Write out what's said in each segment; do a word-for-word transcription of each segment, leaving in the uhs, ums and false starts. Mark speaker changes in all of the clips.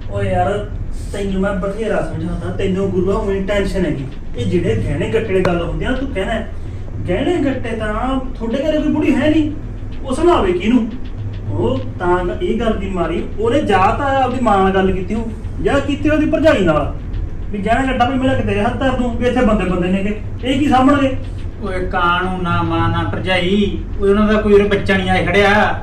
Speaker 1: ਓ ਯਾਰ ਤੈਨੂੰ ਮੈਂ ਬਥੇਰਾ ਸਮਝਾਉਂਦਾ, ਤੈਨੂੰ ਗੁਰੂਆ ਹੋਣੀ ਟੈਨਸ਼ਨ ਹੈਗੀ। ਇਹ ਜਿਹੜੇ ਗਹਿਣੇ ਗੱਟੇ ਦੀ ਗੱਲ ਹੁੰਦੀ ਆ, ਤੂੰ ਕਹਿਣਾ ਗਹਿਣੇ ਗੱਟੇ ਤਾਂ ਤੁਹਾਡੇ ਘਰੇ ਕੋਈ ਬੁੜੀ ਹੈ ਨਹੀਂ, ਉਹ ਸੁਣਾਵੇ ਕਿਹਨੂੰ? ਉਹ ਤਾਂ ਇਹ ਗੱਲ ਦੀ ਮਾਰੀ ਉਹਨੇ ਜਾ ਤਾਂ ਆਪਦੀ ਮਾਂ ਨਾਲ ਗੱਲ ਕੀਤੀ, ਉਹ ਜਾਂ ਕੀਤੀ ਉਹਦੀ ਭਰਜਾਈ ਨਾਲ ਵੀ ਗਹਿਣਾ ਗੱਟਾ ਵੀ ਮੇਰਾ ਕਿਤੇ ਹੱਥ ਧਰ ਦੂੰ ਵੀ ਇੱਥੇ ਬੰਦੇ ਬੰਦੇ ਨੇਗੇ, ਇਹ ਕੀ ਸਾਂਭਣਗੇ?
Speaker 2: ਓਏ ਕਾਣੂ ਨਾ ਮਾਂ ਨਾ ਭਰਜਾਈ, ਉਹਨਾਂ ਦਾ ਕੋਈ ਬੱਚਾ ਨਹੀਂ ਆਏ ਖੜਿਆ।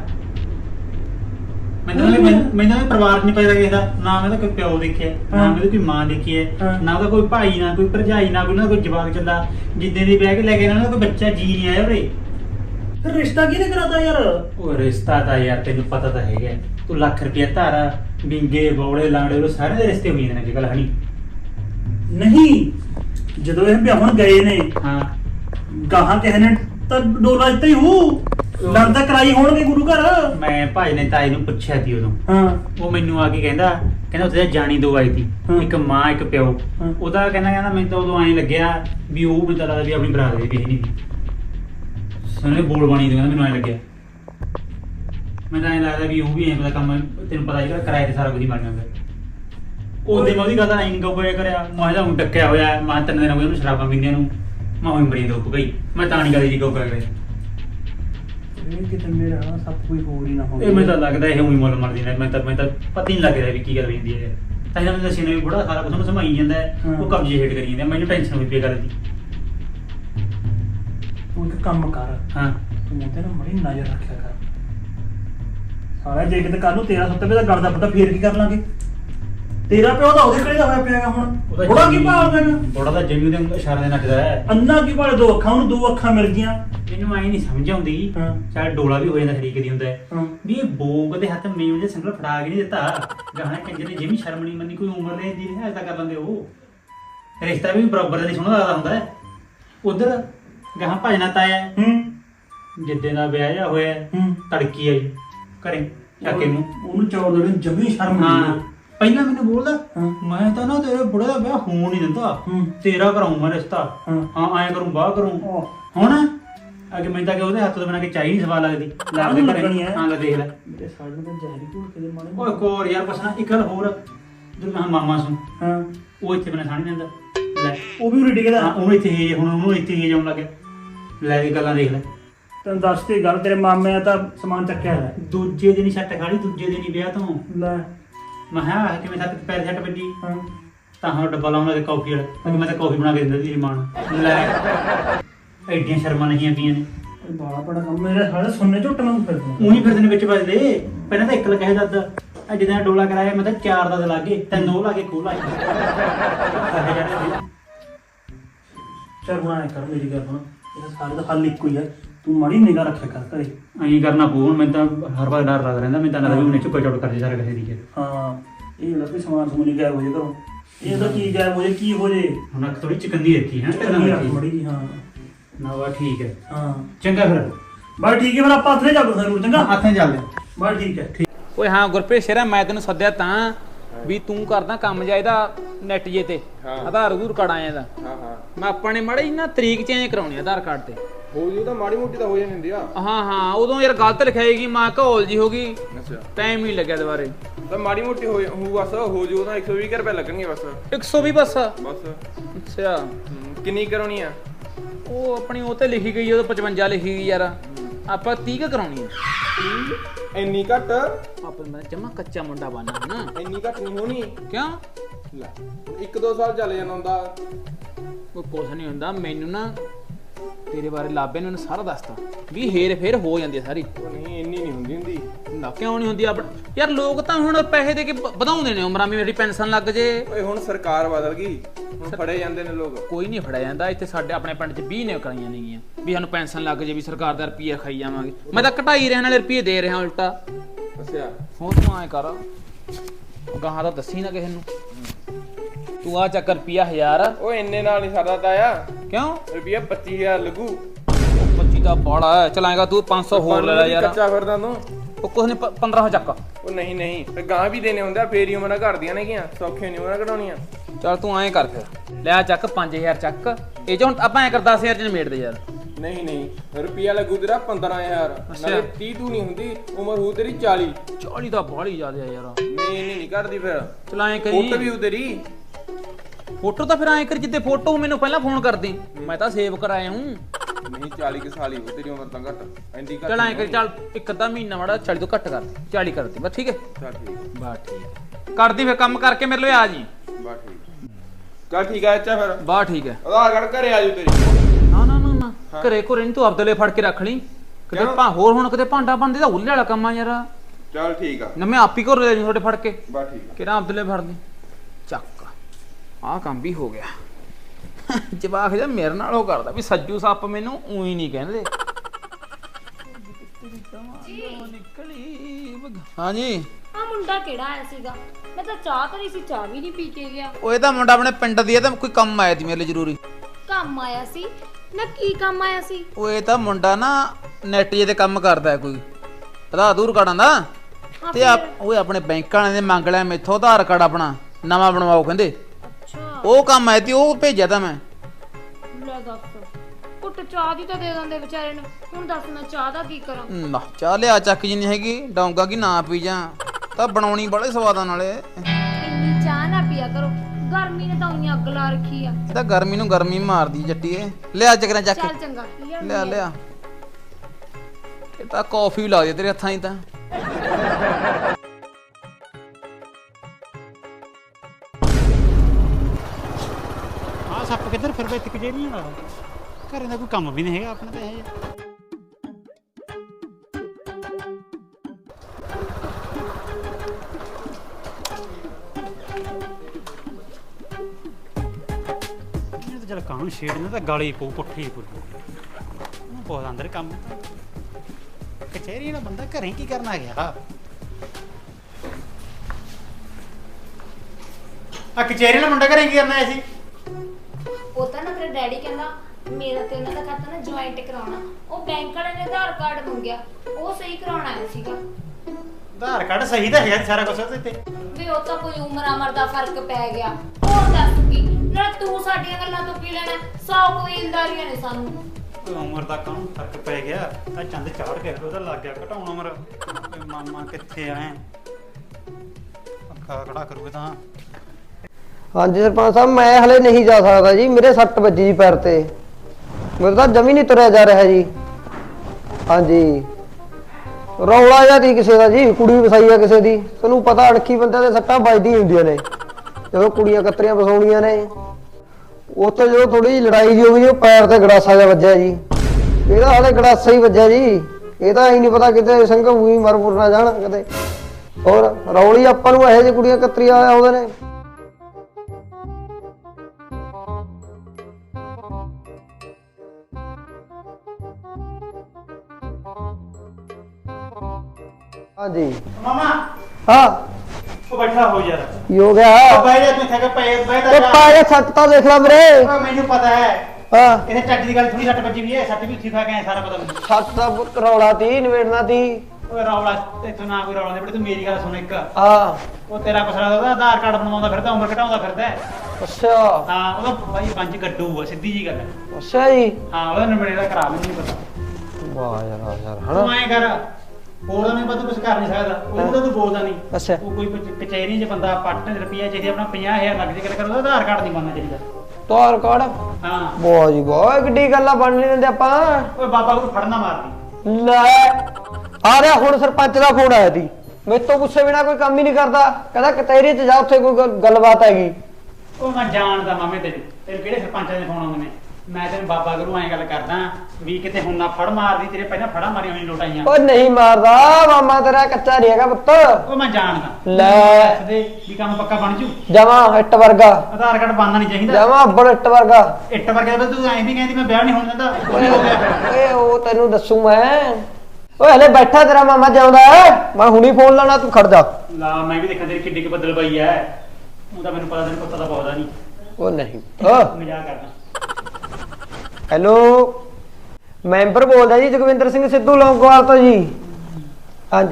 Speaker 2: ਮੈਨੂੰ ਮੈਨੂੰ ਪਰਿਵਾਰ ਨਹੀਂ ਪਤਾ ਕਿਸੇ ਦਾ, ਨਾ ਮੈਂ ਤਾਂ ਕੋਈ ਪਿਓ ਦੇਖਿਆ, ਨਾ ਮੈਂ ਕੋਈ ਮਾਂ ਦੇਖੀ ਹੈ, ਨਾ ਤਾਂ ਕੋਈ ਭਾਈ, ਨਾ ਕੋਈ ਭਰਜਾਈ, ਨਾ ਕੋਈ ਨਾ ਕੋਈ ਜਵਾਕ ਚੱਲਾ। ਜਿੱਦਾਂ ਦੀ ਵਿਆਹ ਕੇ ਲੈ ਕੇ ਇਹਨਾਂ ਦਾ ਕੋਈ ਬੱਚਾ ਜੀ ਨਹੀਂ ਆਇਆ ਉਰੇ।
Speaker 1: ਫਿਰ ਰਿਸ਼ਤਾ ਕਿਹਨੇ ਕਰਾਤਾ ਯਾਰ?
Speaker 2: ਉਹ ਰਿਸ਼ਤਾ ਤਾਂ ਯਾਰ ਤੈਨੂੰ ਪਤਾ ਤਾਂ ਹੈਗਾ, ਤੂੰ ਲੱਖ ਰੁਪਇਆ ਧਾਰਾ ਬਿੰਗੇ ਬੌਲੇ ਲਾਂੜੇ ਉਹ ਸਾਰੇ ਦੇ ਰਿਸ਼ਤੇ ਹੋ ਜਾਂਦੇ ਨੇ ਅੱਜ ਕੱਲ੍ਹ। ਹਣੀ
Speaker 1: ਨਹੀਂ, ਜਦੋਂ ਇਹ ਵਿਆਹਣ ਗਏ ਨੇ
Speaker 2: ਹਾਂ
Speaker 1: ਗਾਹਾਂ ਕਿਸੇ ਨੇ ਤਾਂ ਡੋਲਾ ਦਿੱਤਾ ਹੀ ਹੂ ਲੰਦਾ ਕਰਾਈ ਹੋਣਗੇ ਗੁਰੂ ਘਰ।
Speaker 2: ਮੈਂ ਭਾਈ ਨੇ ਤਾਈ ਨੂੰ ਪੁੱਛਿਆ ਸੀ ਉਦੋਂ,
Speaker 1: ਹਾਂ
Speaker 2: ਉਹ ਮੈਨੂੰ ਆ ਕੇ ਕਹਿੰਦਾ ਕਹਿੰਦਾ ਉੱਥੇ ਜਾਣੀ ਦੋ ਆਈ ਸੀ, ਇੱਕ ਮਾਂ ਇੱਕ ਪਿਓ। ਉਹਦਾ ਕਹਿੰਦਾ ਕਹਿੰਦਾ ਮੈਨੂੰ ਤਾਂ ਉਦੋਂ ਐਂ ਲੱਗਿਆ ਵੀ ਉਹ ਮੈਨੂੰ ਤਾਂ ਲੱਗਦਾ ਵੀ ਆਪਣੀ ਬਰਾਤ ਦੀ ਕਿਸੇ ਨਹੀਂ ਸੁਣੇ ਬੋਲ ਬਾਣੀ ਤੋਂ, ਮੈਨੂੰ ਐਂ ਲੱਗਿਆ। ਮੈਨੂੰ ਐਂ ਲੱਗਦਾ ਵੀ ਉਹ ਵੀ ਐਂ ਪਤਾ ਕੰਮ, ਤੈਨੂੰ ਪਤਾ ਜਿਹੜਾ ਕਿਰਾਏ ਤੇ ਸਾਰਾ ਕੁਝ ਹੀ ਬਣ ਜਾਂਦਾ। ਉਹਦੇ ਮੈਂ ਉਹਦੀ ਗੱਲ ਐਂ ਨਹੀਂ ਗੋਇਆ ਕਰਿਆ, ਮੈਂ ਤਾਂ ਹੁਣ ਟੱਕਿਆ ਹੋਇਆ, ਮੈਂ ਤਿੰਨ ਦਿਨ ਹੋ ਗਏ ਉਹਨੂੰ ਸ਼ਰਾਬਾਂ ਪੀਂਦਿਆਂ ਨੂੰ, ਮੈਂ ਉਹੀ ਬੜੀ ਦੁੱਖ ਗਈ, ਮੈਂ ਤਾਂ ਨਹੀਂ ਕਦੇ ਜੀ ਗੋਇਆ ਕਰਿਆ।
Speaker 1: ਇਹ ਕਿਤੇ ਮੇਰਾ ਸਭ ਕੋਈ ਹੋਰ ਹੀ ਨਾ ਹੋਵੇ।
Speaker 2: ਇਹ ਮੈਨੂੰ ਤਾਂ ਲੱਗਦਾ ਇਹ ਉਹੀ ਮੁੱਲ ਮਰਦੀ ਨੇ, ਮੈਂ ਤਾਂ ਮੈਂ ਤਾਂ ਪਤਾ ਹੀ ਨਹੀਂ ਲੱਗ ਰਿਹਾ ਵੀ ਕੀ ਗੱਲ ਹੋਈ ਜਾਂਦੀ ਹੈ। ਤਾਂ ਇਹਨਾਂ ਨੂੰ ਦੱਸੀ ਨੇ ਵੀ ਬੜਾ ਸਾਰਾ ਕੁਝ ਉਹਨੂੰ ਸਮਾਈ ਜਾਂਦਾ, ਉਹ ਕਬਜ਼ੇ ਹੇਠ ਕਰੀ ਜਾਂਦੇ, ਮੈਨੂੰ ਟੈਨਸ਼ਨ ਹੋਈ ਪਈ ਗੱਲ ਦੀ।
Speaker 1: ਤੂੰ ਇੱਕ ਕੰਮ ਕਰ,
Speaker 2: ਹਾਂ
Speaker 1: ਤੂੰ ਉਹਦੇ ਨਾਲ ਬੜੀ ਨਜ਼ਰ ਰੱਖਿਆ ਕਰ ਸਾਰਾ। ਜੇ ਕਿਤੇ ਕੱਲ ਨੂੰ ਤੇਰਾ ਸੱਤ ਰੁਪਏ ਦਾ ਗਲ ਦਾ ਪਤਾ ਫੇਰ ਕੀ ਕਰ ਲਾਂਗੇ? ਤੇਰਾ ਪਿਓ ਤਾਂ ਉਹਦੇ ਕਿਹੜੇ ਦਾ ਹੋਇਆ ਪਿਆਗਾ ਹੁਣ, ਬੁੜਾ ਕੀ ਭਾਲਦਾ ਹੈਗਾ?
Speaker 2: ਬੁੜਾ ਤਾਂ ਜਿਵੇਂ ਦੇ ਇਸ਼ਾਰੇ ਦੇ ਨੱਚਦਾ ਹੈ।
Speaker 1: ਅੰਨਾ ਕੀ ਭਾਲੇ ਦੋ ਅੱਖਾਂ, ਉਹਨੂੰ ਦੋ ਅੱਖਾਂ ਮਿਲ ਗਈਆਂ।
Speaker 2: ਮੈਨੂੰ ਐਂ ਨਹੀਂ ਸਮਝ ਆਉਂਦੀ, ਚਾਹੇ ਡੋਲਾ ਵੀ ਹੋ ਜਾਂਦਾ ਸ਼ਰੀਕ ਦੀ ਹੁੰਦਾ ਵੀ ਇਹ ਬੋਗ ਦੇ ਹੱਥ ਮੇਵ ਦੇ ਸੰਗਲ ਫੜਾ ਕੇ ਨਹੀਂ ਦਿੱਤਾ। ਗਾਣਾ ਕੰਜਰ ਨੇ ਜਿਵੇਂ ਸ਼ਰਮ ਨਹੀਂ ਮੰਨੀ, ਕੋਈ ਉਮਰ ਦੇ ਦੀ ਹੈ ਤਾਂ ਕਰ ਲੈਂਦੇ। ਉਹ ਰਿਸ਼ਤਾ ਵੀ ਬਰਾਬਰ ਦਾ ਨਹੀਂ ਸੋਹਣਾ ਲੱਗਦਾ ਹੁੰਦਾ। ਉਧਰ ਗਾਹਾਂ ਭਜਨਾ ਤਾਇਆ ਜਿੱਦੇ ਦਾ ਵਿਆਹ ਜਾ ਹੋਇਆ, ਤੜਕੀ ਆਈ ਘਰੇ ਕਾਕੇ ਨੂੰ,
Speaker 1: ਉਹਨੂੰ ਚੌੜ ਦੇ ਜਮੀ ਸ਼ਰਮ
Speaker 2: ਨਹੀਂ। ਪਹਿਲਾਂ ਮੈਨੂੰ ਬੋਲਦਾ ਮੈਂ ਤਾਂ ਨਾ ਤੇਰੇ ਬੁੜੇ ਦਾ ਵਿਆਹ ਹੋਣ ਨਹੀਂ ਦਿੰਦਾ, ਤੇਰਾ ਕਰਾਉਂ ਮੈਂ ਰਿਸ਼ਤਾ, ਹਾਂ ਐਂ ਕਰੂੰ ਬਾਹ ਕਰੂੰ। ਹੁਣ ਅੱਗੇ ਮੈਨੂੰ ਤਾਂ ਕਿ ਉਹਦੇ ਹੱਥ ਤੋਂ ਬਣਾ ਕੇ ਚਾਹੀ ਨਹੀਂ ਸਵਾਦ ਲੱਗਦੀ, ਲੱਗਦੇ ਘਰੇ। ਹਾਂ ਲੈ ਦੇਖ ਲੈ
Speaker 1: ਮੇਰੇ ਸਾਜਨ ਦਾ ਜ਼ਹਿਰੀ ਘੋਲ ਕੇ ਦੇ ਮਾਰੇ।
Speaker 2: ਓਏ ਕੋਰ ਯਾਰ ਪੁੱਛਣਾ ਇੱਕ ਗੱਲ ਹੋਰ, ਜਦੋਂ ਮੈਂ ਮਾਮਾ ਸੁਣ
Speaker 1: ਹਾਂ
Speaker 2: ਉਹ ਇੱਥੇ ਬਣਾ ਸਾਣੀ ਜਾਂਦਾ ਲੈ,
Speaker 1: ਉਹ ਵੀ ਉਰੇ ਡਿੱਗਦਾ।
Speaker 2: ਹਾਂ ਉਹਨੂੰ ਇੱਥੇ ਹੀ ਹੁਣ ਉਹਨੂੰ ਇੱਥੇ ਹੀ ਜਾਉਣ ਲੱਗਿਆ। ਲੈ ਇਹ ਗੱਲਾਂ ਦੇਖ ਲੈ,
Speaker 1: ਤੈਨੂੰ ਦੱਸ ਤੇ ਗੱਲ, ਤੇਰੇ ਮਾਮੇ ਆ ਤਾਂ ਸਮਾਨ ਚੱਕਿਆ ਹੈ।
Speaker 2: ਦੂਜੇ ਦਿਨ ਹੀ ਛੱਟ ਖਾਲੀ, ਦੂਜੇ ਦਿਨ ਹੀ ਵਿਆਹ ਤੋਂ।
Speaker 1: ਲੈ
Speaker 2: ਮੈਂ ਕਿਹਾ ਕਿਵੇਂ ਸੱਤ ਪੈਰ ਛੱਟ ਵੱਜੀ,
Speaker 1: ਹਾਂ
Speaker 2: ਤਾਂ ਹਾਂ ਡੱਬਾ ਲਾਉਣਾ ਤੇ ਕਾਫੀ ਵਾਲਾ, ਮੈਂ ਤਾਂ ਕਾਫੀ ਬਣਾ ਕੇ ਦਿੰਦਾ ਸੀ ਮਾਣ। ਲੈ ਐਡੀਆਂ ਸ਼ਰਮਾਂ ਨਹੀਂ ਪਈਆਂ ਨੇ,
Speaker 1: ਬੜਾ ਬੜਾ ਕੰਮ ਮੇਰੇ ਸਾਰੇ ਸੁਣਨੇ ਝੁੱਟ ਨੂੰ ਫਿਰਦੇ
Speaker 2: ਉਹੀ ਫਿਰਦੇ ਨੇ ਵਿੱਚ ਵੱਜਦੇ। ਪਹਿਲਾਂ ਤਾਂ ਇੱਕ ਲਗਾਇਆ ਦੱਦ, ਅੱਜ ਜਦੋਂ ਡੋਲਾ ਕਰਾਇਆ ਮੈਂ ਤਾਂ ਚਾਰ ਦਾ ਲਾਗੇ, ਤਿੰਨ ਉਹ ਲਾਗੇ ਖੋਲਾ
Speaker 1: ਚੱਲ ਹੁਣ ਐ ਕਰ, ਮੇਰੀ ਗੱਲ ਸੁਣ, ਇਹਦਾ ਸਾਰੇ ਦਾ ਹੱਲ ਇੱਕੋ ਹੀ ਹੈ, ਤੂੰ ਮਾੜੀ ਨਿਗਾਹ ਰੱਖਿਆ ਕਰ ਘਰੇ।
Speaker 2: ਐਂ ਕਰਨਾ ਪਊ ਹੁਣ, ਮੈਨੂੰ ਤਾਂ ਹਰ ਵਾਰ ਡਰ ਲੱਗ ਰਹਿੰਦਾ, ਮੈਨੂੰ ਤਾਂ ਲੱਗਦਾ ਵੀ ਉਹਨੇ ਚੁੱਕਾ ਚੌੜ ਕਰਦੇ ਸਾਰੇ ਕਿਸੇ ਦੀ।
Speaker 1: ਹਾਂ ਇਹ ਜਿਹੜਾ ਵੀ ਸਮਾਨ ਸਮੂਨ ਗਾਇਬ ਹੋ ਜੇ ਘਰੋਂ, ਇਹ ਤਾਂ ਕੀ ਗਾਇਬ ਹੋ ਜੇ ਕੀ ਹੋ ਜੇ।
Speaker 2: ਹੁਣ ਅੱਖ ਥੋੜੀ ਚਿਕੰਦੀ ਰੱਖੀ ਹੈ
Speaker 1: ਬੜੀ ਜੀ। ਹਾਂ
Speaker 2: ਨਾ ਵਾ ਠੀਕ ਹੈ,
Speaker 1: ਹਾਂ
Speaker 2: ਚੰਗਾ ਫਿਰ
Speaker 1: ਬਸ ਠੀਕ ਹੈ, ਫਿਰ ਆਪਾਂ ਹੱਥੇ ਚੱਲਦੇ ਹਾਂ। ਚੰਗਾ
Speaker 2: ਹੱਥਾਂ ਚੱਲਦੇ
Speaker 1: ਬਸ ਠੀਕ ਹੈ।
Speaker 3: ਓਏ ਹਾਂ ਗੁਰਪ੍ਰੀਤ ਸ਼ੇਰਾ, ਮੈਂ ਤੈਨੂੰ ਸੱਦਿਆ ਤਾਂ ਵੀ ਤੂੰ ਕਰਦਾ ਕੰਮ ਜਾ ਇਹਦਾ ਨੈਟ ਜੇ ਤੇ ਆਧਾਰ ਉਧੂਰ ਕਾਰਡ ਆਇਆ ਦਾ।
Speaker 4: ਹਾਂ ਹਾਂ
Speaker 3: ਮੈਂ ਆਪਾਂ ਨੇ ਮਾੜੀ ਨਾ ਤਰੀਕ ਚੇਂਜ ਕਰਾਉਣੀ ਆਧਾਰ ਕਾਰਡ ਤੇ।
Speaker 4: ਹੋ ਜੂ ਤਾਂ ਮਾੜੀ ਮੋਟੀ ਤਾਂ ਹੋ ਜਾਂਦੀ ਹੁੰਦੀ ਆ।
Speaker 3: ਹਾਂ ਹਾਂ ਉਦੋਂ ਯਾਰ ਗਲਤ ਲਿਖਾਏਗੀ, ਮਾਂ ਘੋਲ ਜੀ ਹੋ ਗਈ,
Speaker 4: ਅੱਛਾ
Speaker 3: ਟਾਈਮ ਹੀ ਲੱਗਿਆ ਦੁਬਾਰੇ।
Speaker 4: ਤਾਂ ਮਾੜੀ ਮੋਟੀ ਹੋ ਹੋ ਬਸ ਹੋ ਜੂ ਤਾਂ ਇੱਕ ਸੌ ਵੀਹ ਰੁਪਏ ਲੱਗਣਗੇ ਬਸ।
Speaker 3: ਇੱਕ ਸੌ ਵੀਹ ਬਸ
Speaker 4: ਬਸ
Speaker 3: ਅੱਛਾ।
Speaker 4: ਕਿੰਨੀ ਕਰਾਉਣੀ ਆ?
Speaker 3: ਉਹ ਆਪਣੀ ਉਹ ਤੇ ਲਿਖੀ ਗਈ, ਉਹ ਪਚਵੰਜਾ ਲਿਖੀ ਗਈ ਯਾਰ, ਆਪਾਂ ਤੀਹ ਕੁ ਕਰਾਉਣੀ ਆ।
Speaker 4: ਇੰਨੀ ਘੱਟ?
Speaker 3: ਆਪਾਂ ਮੈਂ ਜਮਾ ਕੱਚਾ ਮੁੰਡਾ ਬਣਨਾ ਨਾ,
Speaker 4: ਇੰਨੀ ਘੱਟ ਨਹੀਂ ਹੋਣੀ।
Speaker 3: ਕਿਉਂ?
Speaker 4: ਲੈ ਇੱਕ ਦੋ ਸਾਲ ਚੱਲ ਜਾਣਾ ਹੁੰਦਾ।
Speaker 3: ਕੋਈ ਕੁਛ ਨਹੀਂ ਹੁੰਦਾ, ਮੈਨੂੰ ਨਾ ਤੇਰੇ ਬਾਰੇ ਲਾਭੇ ਨੇ ਉਹਨੇ ਸਾਰਾ ਦੱਸਤਾ ਵੀ ਹੇਰ ਫੇਰ ਹੋ ਜਾਂਦੀ ਆ ਸਾਰੀ।
Speaker 4: ਨਹੀਂ ਇੰਨੀ ਨਹੀਂ ਹੁੰਦੀ ਹੁੰਦੀ
Speaker 3: ਨਾ ਕਿਉਂ ਨਹੀਂ ਹੁੰਦੀ? ਆਪਣਾ ਯਾਰ ਲੋਕ ਤਾਂ ਹੁਣ ਪੈਸੇ ਦੇ ਕੇ ਵਧਾਉਂਦੇ ਨੇ ਉਮਰਾਂ, ਮੇਰੀ ਪੈਨਸ਼ਨ ਲੱਗ ਜੇ।
Speaker 4: ਓਏ ਹੁਣ ਸਰਕਾਰ ਬਦਲ ਗਈ, ਹੁਣ ਫੜੇ ਜਾਂਦੇ ਨੇ ਲੋਕ।
Speaker 3: ਕੋਈ ਨਹੀਂ ਫੜਿਆ ਜਾਂਦਾ ਇੱਥੇ, ਸਾਡੇ ਆਪਣੇ ਪਿੰਡ 'ਚ ਵੀਹ ਨੇ ਕਰਾਈਆਂ ਨੇਗੀਆਂ ਵੀ ਸਾਨੂੰ ਪੈਨਸ਼ਨ ਲੱਗ ਜੇ, ਵੀ ਸਰਕਾਰ ਦਾ ਰੁਪਈਆ ਖਾਈ ਜਾਵਾਂਗੇ। ਮੈਂ ਤਾਂ ਘਟਾਈ ਰਹਿਣ ਵਾਲੇ ਰੁਪਈਏ ਦੇ ਰਿਹਾ ਉਲਟਾ।
Speaker 4: ਅੱਛਾ
Speaker 3: ਹੁਣ ਤੂੰ ਐਂ ਕਰ, ਗਾਹਾਂ ਤਾਂ ਦੱਸੀ ਨਾ ਕਿਸੇ ਨੂੰ, ਤੂੰ ਆ ਚੱਕ ਰੁਪਈਆ ਹਜ਼ਾਰ।
Speaker 4: ਉਹ ਇੰਨੇ ਨਾਲ ਨਹੀਂ ਸਰਦਾ ਤਾਇਆ।
Speaker 3: ਕਿਉਂ?
Speaker 4: ਰੁਪਈਆ ਪੱਚੀ ਹਜ਼ਾਰ ਲੱਗੂ।
Speaker 3: ਪੱਚੀ ਦਾ ਬਾੜਾ ਹੈ, ਚਲਾਏਗਾ ਤੂੰ ਪੰਜ ਸੌ ਹੋਰ ਲੈ ਲੈ ਯਾਰ।
Speaker 4: ਕੱਚਾ ਫਿਰਦਾ ਤੂੰ।
Speaker 3: ਉਹ ਕੁਛ ਨਹੀਂ, ਪੰਦਰਾਂ ਸੌ ਚੱਕ।
Speaker 4: ਉਹ ਨਹੀਂ ਨਹੀਂ ਤੇ ਗਾਂ ਵੀ ਦੇਣੇ ਹੁੰਦੇ ਆ, ਫੇਰ ਹੀ ਉਮਰਾਂ ਘੜਦੀਆਂ ਨੇਗੀਆਂ, ਸੌਖੇ ਨਹੀਂ ਉਮਰਾਂ ਕਢਾਉਣੀਆਂ।
Speaker 3: ਚੱਲ ਤੂੰ ਐਂ ਕਰ ਫਿਰ, ਲੈ ਚੱਕ ਪੰਜ ਹਜ਼ਾਰ ਚੱਕ, ਇਹ 'ਚ ਹੁਣ ਆਪਾਂ ਐਂ ਕਰ ਦਸ ਹਜ਼ਾਰ 'ਚ ਨਿਬੇੜ ਦੇ ਯਾਰ।
Speaker 4: ਨਹੀਂ ਨਹੀਂ ਰੁਪਿਆ ਲੱਗੂ ਤੇਰਾ ਪੰਦਰਾਂ ਹਜ਼ਾਰ, ਨਾਲੇ ਤੀਹ ਤੂੰ ਨਹੀਂ ਹੁੰਦੀ, ਉਮਰ ਹੋ ਤੇਰੀ ਚਾਲੀ।
Speaker 3: ਚਾਲੀ ਤਾਂ ਬਾਹਲੀ ਜ਼ਿਆਦਾ ਆ ਯਾਰ।
Speaker 4: ਨਹੀਂ ਨਹੀਂ ਇੰਨੀ ਨਹੀਂ ਘਟਦੀ ਫਿਰ
Speaker 3: ਚਲ ਐਂ
Speaker 4: ਫੋਟੋ ਵੀ
Speaker 3: ਕਰੀ
Speaker 4: ਉਹ ਤੇਰੀ
Speaker 3: ਫੋਟੋ ਤਾਂ ਫਿਰ ਐਂ ਕਰੀ ਜਿੱਦੇ ਫੋਟੋ ਹੋ ਮੈਨੂੰ ਪਹਿਲਾਂ ਫੋਨ ਕਰਦੀ ਮੈਂ ਤਾਂ ਸੇਵ ਕਰਾਇਆ ਹੂੰ
Speaker 4: ਨਹੀਂ ਚਾਲੀ ਕੁ ਸਾਲ ਹੀ ਹੋ ਤੇਰੀ ਉਮਰ ਤਾਂ ਘੱਟ ਐਂਦੀ ਘੱਟ
Speaker 3: ਚਲ ਐਂ ਕਰੀ ਚੱਲ ਇੱਕ ਅੱਧਾ ਮਹੀਨਾ ਮਾੜਾ ਚਾਲੀ ਤੋਂ ਘੱਟ ਕਰ ਚਾਲੀ ਕਰਦੀ ਬਸ ਠੀਕ ਹੈ
Speaker 4: ਚੱਲ ਠੀਕ
Speaker 3: ਬਸ ਠੀਕ ਕਰਦੀ ਫਿਰ ਕੰਮ ਕਰਕੇ ਮੇਰੇ ਲਈ ਆ ਜੀ
Speaker 4: ਬਸ ਠੀਕ ਚੱਲ ਠੀਕ ਹੈ ਅੱਛਾ ਫਿਰ
Speaker 3: ਬਸ ਠੀਕ ਹੈ
Speaker 4: ਆਧਾਰ ਕਾਰਡ ਘਰੇ ਆ ਜੂ ਤੇਰੀ
Speaker 3: ਨਾ ਨਾ ਨਾ ਨਾ ਘਰੇ ਘਰੇ ਨਹੀਂ ਤੂੰ ਆਪਦੇ ਲਈ ਫੜ ਕੇ ਰੱਖ ਲਈ ਕਿਤੇ
Speaker 4: ਕਿਉਂ?
Speaker 3: ਭਾ ਹੋਰ ਹੁਣ ਕਿਤੇ ਭਾਂਡਾ ਬਣਦੀ ਤਾਂ ਉੱਲੇ ਵਾਲਾ ਕੰਮ ਆ ਯਾਰ
Speaker 4: ਚੱਲ ਠੀਕ ਆ
Speaker 3: ਨਾ ਮੈਂ ਆਪ ਹੀ ਘਰ ਲੈ ਜੂ ਤੁਹਾਡੇ ਫੜ ਕੇ
Speaker 4: ਬਸ ਠੀਕ ਆ
Speaker 3: ਕਿਹੜਾ ਆਪਦੇ ਲਈ ਫੜ ਲਈ ਚੱਕ ਆਹ ਕੰਮ ਵੀ ਹੋ ਗਿਆ ਜਵਾਕ ਜਿਹਾ ਮੇਰੇ ਨਾਲ ਉਹ ਕਰਦਾ ਵੀ ਸੱਜੂ ਸੱਪ ਮੈਨੂੰ ਉਹੀ ਨਹੀਂ ਕਹਿੰਦੇ ਹਾਂਜੀ
Speaker 5: ਆ ਮੁੰਡਾ ਕਿਹੜਾ ਆਇਆ ਸੀਗਾ ਮੈਂ ਤਾਂ ਚਾਹ ਕਰੀ ਸੀ ਚਾਹ ਵੀ ਨਹੀਂ ਪੀ ਕੇ ਗਿਆ
Speaker 3: ਉਹ ਇਹ ਤਾਂ ਮੁੰਡਾ ਆਪਣੇ ਪਿੰਡ ਦੀ ਹੈ ਤਾਂ ਕੋਈ ਕੰਮ ਆਇਆ ਸੀ ਮੇਰੇ ਲਈ ਜ਼ਰੂਰੀ
Speaker 5: ਕੰਮ ਆਇਆ ਸੀ ਨਾ ਕੀ ਕੰਮ ਆਇਆ ਸੀ
Speaker 3: ਉਹ ਇਹ ਤਾਂ ਮੁੰਡਾ ਨਾ ਨੈਟ ਜੇ ਤੇ ਕੰਮ ਕਰਦਾ ਹੈ ਕੋਈ ਆਧਾਰ ਦੂਰ ਕਾਰਡਾਂ ਦਾ
Speaker 5: ਹਾਂ
Speaker 3: ਤੇ ਆਪ ਉਹ ਆਪਣੇ ਬੈਂਕ ਵਾਲਿਆਂ ਨੇ ਮੰਗ ਲਿਆ ਮੈਥੋਂ ਆਧਾਰ ਕਾਰਡ ਆਪਣਾ ਨਵਾਂ ਬਣਵਾਓ ਕਹਿੰਦੇ
Speaker 5: ਅੱਛਾ
Speaker 3: ਉਹ ਕੰਮ ਆਇਆ ਤੇ ਉਹ ਭੇਜਿਆ ਤਾਂ ਮੈਂ
Speaker 5: ਲੈ ਦੱਸ ਕੁੱਟ ਚਾਹ ਦੀ ਤਾਂ ਦੇ ਦਿੰਦੇ ਵਿਚਾਰੇ ਨੂੰ ਹੁਣ ਦੱਸ ਮੈਂ ਚਾਹ ਦਾ ਕੀ ਕਰਾਂ
Speaker 3: ਨਾ ਚਾਹ ਲਿਆ ਚੱਕ ਜੀ ਨਹੀਂ ਹੈਗੀ ਡਾਉਂਗਾ ਕਿ ਨਾ ਪੀ ਜਾ ਤਾਂ ਬਣਾਉਣੀ ਬੜੇ ਸਵਾਦਾਂ ਨਾਲੇ
Speaker 5: ਇੰਨੀ ਚਾਹ ਨਾ ਪੀਆ ਕਰੋ ਗਰਮੀ ਨੇ ਤਾਂ ਉਹੀ ਅੱਗ ਲਾ ਰੱਖੀ ਆ
Speaker 3: ਇਹ ਤਾਂ ਗਰਮੀ ਨੂੰ ਗਰਮੀ ਮਾਰਦੀ ਜੱਟੀਏ ਲਿਆ ਚੱਕਰਾਂ ਚੱਕ
Speaker 5: ਚੱਲ
Speaker 3: ਕੇ
Speaker 5: ਚੰਗਾ ਲਿਆਉਣੀ
Speaker 3: ਲਿਆ
Speaker 5: ਆ।
Speaker 3: ਲਿਆ ਇਹ ਤਾਂ ਕੌਫੀ ਵੀ ਲੱਗਦੀ ਤੇਰੇ ਹੱਥਾਂ 'ਚ ਤਾਂ
Speaker 2: ਆ ਸੱਪ ਕਿੱਧਰ ਫਿਰਦਾ ਇੱਥੇ ਕਚੇਰੀਆਂ ਦਾ ਘਰੇ ਦਾ ਕੋਈ ਕੰਮ ਵੀ ਨਹੀਂ ਹੈਗਾ ਆਪਣਾ ਤਾਂ ਇਹ ਇਹ ਤਾਂ ਚਲ ਕਾਹਨੂੰ ਛੇੜਨਾ ਤਾਂ ਗਾਲੀ ਪਊ ਪੁੱਠੀ ਪਊ ਉਹ ਬਹੁਤ ਅੰਦਰ ਕੰਮ ਕਚਹਿਰੀ ਦਾ ਬੰਦਾ ਘਰੇ ਕੀ ਕਰਨਾ ਗਿਆ ਆ ਕਚਹਿਰੀ ਦਾ ਮੁੰਡਾ ਘਰੇ ਕੀ ਕਰਨਾ ਆਇਆ ਸੀ
Speaker 5: ਉਹ ਤਾਂ ਨਾ ਤੇਰਾ ਡੈਡੀ ਕਹਿੰਦਾ ਮੇਰਾ ਤੇ ਉਹਨਾਂ ਦਾ ਖਾਤਾ ਨਾ ਜੁਆਇੰਟ ਕਰਾਉਣਾ ਉਹ ਬੈਂਕ ਵਾਲੇ ਨੇ ਆਧਾਰ ਕਾਰਡ ਮੰਗਿਆ ਉਹ ਸਹੀ ਕਰਾਉਣਾ ਆਇਆ ਸੀਗਾ
Speaker 2: ਆਧਾਰ ਕਾਰਡ ਸਹੀ ਤਾਂ ਹੈਗਾ ਸਾਰਾ ਕੁਝ ਉਹਦੇ ਤੇ
Speaker 5: ਵੀ ਉਹ ਤਾਂ ਕੋਈ ਉਮਰ ਅਮਰ ਦਾ ਫਰਕ ਪੈ ਗਿਆ ਹੋਰ ਦੱਸ ਕੀ ਨਾ ਤੂੰ ਸਾਡੀਆਂ ਗੱਲਾਂ ਤੋਂ ਕੀ ਲੈਣਾ ਸੌ ਕੋਈ ਇਲਦਾਰੀਆਂ ਨੇ ਸਾਨੂੰ
Speaker 2: ਉਮਰ ਦਾ ਕਾਹਨੂੰ ਫਰਕ ਪੈ ਗਿਆ ਤਾਂ ਚੰਦ ਚਾੜ ਕੇ ਉਹਦਾ ਲੱਗ ਗਿਆ ਘਟਾਉਣ ਉਮਰ ਓਏ ਮਾਮਾ ਕਿੱਥੇ ਆਏ ਅੱਖਾਂ ਖੜਾ ਕਰੂਗੇ ਤਾਂ
Speaker 6: ਹਾਂਜੀ ਸਰਪੰਚ ਸਾਹਿਬ ਮੈਂ ਹਲੇ ਨਹੀਂ ਜਾ ਸਕਦਾ ਜੀ ਮੇਰੇ ਸੱਟ ਵੱਜੀ ਜੀ ਪੈਰ ਤੇ ਮੇਰੇ ਤਾਂ ਜਮੀ ਨਹੀਂ ਤੁਰਿਆ ਜਾ ਰਿਹਾ ਜੀ ਹਾਂਜੀ ਰੌਲਾ ਜਿਹਾ ਦੀ ਕਿਸੇ ਦਾ ਜੀ ਕੁੜੀ ਵਸਾਈ ਆ ਕਿਸੇ ਦੀ ਤੁਹਾਨੂੰ ਪਤਾ ਅਣਖੀ ਬੰਦਿਆਂ ਦੇ ਸੱਟਾਂ ਵੱਜਦੀਆਂ ਹੁੰਦੀਆਂ ਨੇ ਜਦੋਂ ਕੁੜੀਆਂ ਕਤਰੀਆਂ ਵਸਾਉਣੀਆਂ ਨੇ ਉੱਥੇ ਜਦੋਂ ਥੋੜੀ ਜਿਹੀ ਲੜਾਈ ਜੀ ਹੋ ਗਈ ਉਹ ਪੈਰ ਤੇ ਗੜਾਸਾ ਜਿਹਾ ਵੱਜਿਆ ਜੀ ਇਹਦਾ ਹਾਲੇ ਗੜਾਸਾ ਹੀ ਵੱਜਿਆ ਜੀ ਇਹ ਤਾਂ ਹੀ ਨਹੀਂ ਪਤਾ ਕਿਤੇ ਸੰਘ ਵੀ ਮਰ ਮੁਰ ਨਾ ਜਾਣ ਕਿਤੇ ਹੋਰ ਰੌਲੀ ਆਪਾਂ ਨੂੰ ਇਹੋ ਜਿਹੇ ਕੁੜੀਆਂ ਕਤਰੀਆਂ ਆਉਂਦੇ ਨੇ ਹਾਂਜੀ
Speaker 2: ਮਾਮਾ
Speaker 6: ਹਾਂ
Speaker 2: ਉਹ ਬੈਠਾ ਹੋ ਯਾਰ
Speaker 6: ਕੀ ਹੋ ਗਿਆ
Speaker 2: ਬਹਿ ਜਾ ਤੂੰ ਥੱਕ ਪਏ ਬਹਿ
Speaker 6: ਤੇ
Speaker 2: ਜਾ
Speaker 6: ਪਾਇਆ ਸੱਟ ਤਾਂ ਦੇਖ ਲੈ ਮੇਰੇ
Speaker 2: ਓਏ ਮੈਨੂੰ ਪਤਾ ਹੈ
Speaker 6: ਹਾਂ
Speaker 2: ਇਹਦੇ ਚੱਜ ਦੀ ਗੱਲ ਥੋੜੀ ਸੱਟ ਵੱਜੀ ਵੀ ਹੈ ਸੱਟ ਵੀ ਉੱਥੇ ਖਾ ਕੇ ਆਇਆ ਸਾਰਾ ਪਤਾ ਮੈਨੂੰ
Speaker 6: ਸੱਟ ਦਾ ਰੌਲਾ ਤੀ ਨਵੇੜਨਾ ਤੀ
Speaker 2: ਓਏ ਰੌਲਾ ਇੱਥੋਂ ਨਾ ਕੋਈ ਰੌਲਾ ਦੇ ਬੜੇ ਤੂੰ ਮੇਰੀ ਗੱਲ ਸੁਣ ਇੱਕ
Speaker 6: ਹਾਂ
Speaker 2: ਉਹ ਤੇਰਾ ਪਸਰਾ ਦਾ ਆਧਾਰ ਕਾਰਡ ਬਣਵਾਉਂਦਾ ਫਿਰਦਾ ਉਮਰ ਘਟਾਉਂਦਾ ਫਿਰਦਾ
Speaker 6: ਅੱਛਾ
Speaker 2: ਹਾਂ ਉਹਦਾ ਬਾਈ ਪੰਜ ਗੱਡੂ ਆ ਸਿੱਧੀ ਜੀ ਗੱਲ ਹੈ
Speaker 6: ਅੱਛਾ ਜੀ
Speaker 2: ਹਾਂ ਉਹਦਾ ਨੰਬਰ ਦਾ ਕਰਾ ਮੈਨੂੰ ਨਹੀਂ ਪਤਾ
Speaker 6: ਵਾਹ ਯਾਰ ਆ ਯਾਰ
Speaker 2: ਤੂੰ
Speaker 6: ਹਨਾ
Speaker 2: ਐਂ ਕਰ ਹੋਰ ਨਹੀਂ ਪਤਾ ਕੁਝ ਕਰ ਨਹੀਂ ਸਕਦਾ ਉਹਨੂੰ ਤਾਂ ਤੂੰ ਬੋਲਦਾ ਨਹੀਂ
Speaker 6: ਅੱਛਾ
Speaker 2: ਉਹ ਕੋਈ ਕ- ਕਚਹਿਰੀ 'ਚ ਬੰਦਾ ਪੱਟ ਰੁਪਈਆ ਚਾਹੀਦਾ ਆਪਣਾ ਪੰਜਾਹ ਹਜ਼ਾਰ ਲੱਗ ਜੇ ਗੱਲ ਕਰ ਉਹਦਾ ਆਧਾਰ ਕਾਰਡ ਨਹੀਂ ਬਣਨਾ ਚਾਹੀਦਾ
Speaker 6: ਤਾਰ ਕਾਰਡ
Speaker 2: ਹਾਂ
Speaker 6: ਵਾਹ ਜੀ ਵਾਹ ਕਿੱਡੀ ਗੱਲਾਂ ਬਣ ਨਹੀਂ ਦਿੰਦੇ ਆਪਾਂ
Speaker 2: ਓਏ ਬਾਬਾ ਨੂੰ ਫੜਨਾ ਮਾਰਦੀ
Speaker 6: ਲੈ ਆ ਰਿਹਾ ਹੁਣ ਸਰਪੰਚ ਦਾ ਫੋਨ ਆਇਆ ਸੀ ਮੇਰੇ ਤੋਂ ਪੁੱਛੇ ਬਿਨਾ ਕੋਈ ਕੰਮ ਹੀ ਨਹੀਂ ਕਰਦਾ ਕਹਿੰਦਾ ਕਤੇਰੀ 'ਚ ਜਾ ਉੱਥੇ ਕੋਈ ਗੱਲ- ਗੱਲਬਾਤ ਹੈਗੀ
Speaker 2: ਉਹ ਮੈਂ ਜਾਣਦਾ ਮਾਮੇ ਤੇਰੇ ਤੇਰੇ ਕਿਹੜੇ ਸਰਪੰਚਾਂ ਦੇ ਫੋਨ ਆਉਂਦੇ ਨੇ ਮੈਂ ਤੈਨੂੰ ਬਾਬਾ ਗੁਰੂ ਐਂ ਗੱਲ ਕਰਦਾ ਵੀ ਕਿਤੇ ਹੁਣ ਨਾ ਫੜ ਮਾਰਦੀ ਤੇਰੇ ਪਹਿਲਾਂ ਫੜਾ ਮਾਰੀਆਂ ਹੋਈਆਂ ਲੋਟਾਈਆਂ
Speaker 6: ਉਹ ਨਹੀਂ ਮਾਰਦਾ ਮਾਮਾ ਤੇਰਾ ਕੱਚਾ ਨਹੀਂ ਹੈਗਾ ਪੁੱਤ
Speaker 2: ਉਹ ਮੈਂ ਜਾਣਦਾ
Speaker 6: ਲੈ।
Speaker 2: ਦੱਸ ਦੇ ਵੀ ਕੰਮ ਪੱਕਾ ਬਣ ਜੂ
Speaker 6: ਜਮਾ ਇੱਟ ਵਰਗਾ
Speaker 2: ਆਧਾਰ ਕਾਰਡ ਬਣਨਾ ਨਹੀਂ ਚਾਹੀਦਾ
Speaker 6: ਜਮਾ ਅੱਬੜ ਇੱਟ ਵਰਗਾ
Speaker 2: ਇੱਟ ਵਰਗੇ ਤਾਂ ਤੂੰ ਐਂ ਵੀ ਕਹਿੰਦੀ ਮੈਂ ਵਿਆਹ ਨਹੀਂ ਹੋਣ ਦਿੰਦਾ ਉਹ ਨਹੀਂ ਹੋ ਗਿਆ
Speaker 6: ਓਏ ਉਹ ਤੈਨੂੰ ਦੱਸੂ ਮੈਂ ਓਏ ਹਲੇ ਬੈਠਾ ਤੇਰਾ ਮਾਮਾ ਜਾਉਂਦਾ ਮੈਂ ਹੁਣੀ ਫੋਨ ਲਾਣਾ ਤੂੰ ਖੜ ਜਾ
Speaker 2: ਲਾ ਮੈਂ ਵੀ ਦੇਖਾਂ ਤੇਰੀ ਕਿੱਡੀ ਕਿ ਬੱਦਲ ਪਈ ਐ ਉਹ ਤਾਂ ਮੈਨੂੰ ਪਤਾ ਤੈਨੂੰ ਪਤਾ ਤਾਂ ਬਹੁਤਾ ਨਹੀਂ
Speaker 6: ਉਹ ਨਹੀਂ ਓ
Speaker 2: ਮਜ਼ਾਕ ਕਰਦਾ
Speaker 6: ਹੈਲੋ ਮੈਂਬਰ ਬੋਲਦਾ ਜੀ ਜਗਵਿੰਦਰ ਸਿੰਘ ਸਿੱਧੂ ਲੌਂਗੋਵਾਲ ਤੋਂ ਜੀ ਹਾਂਜੀ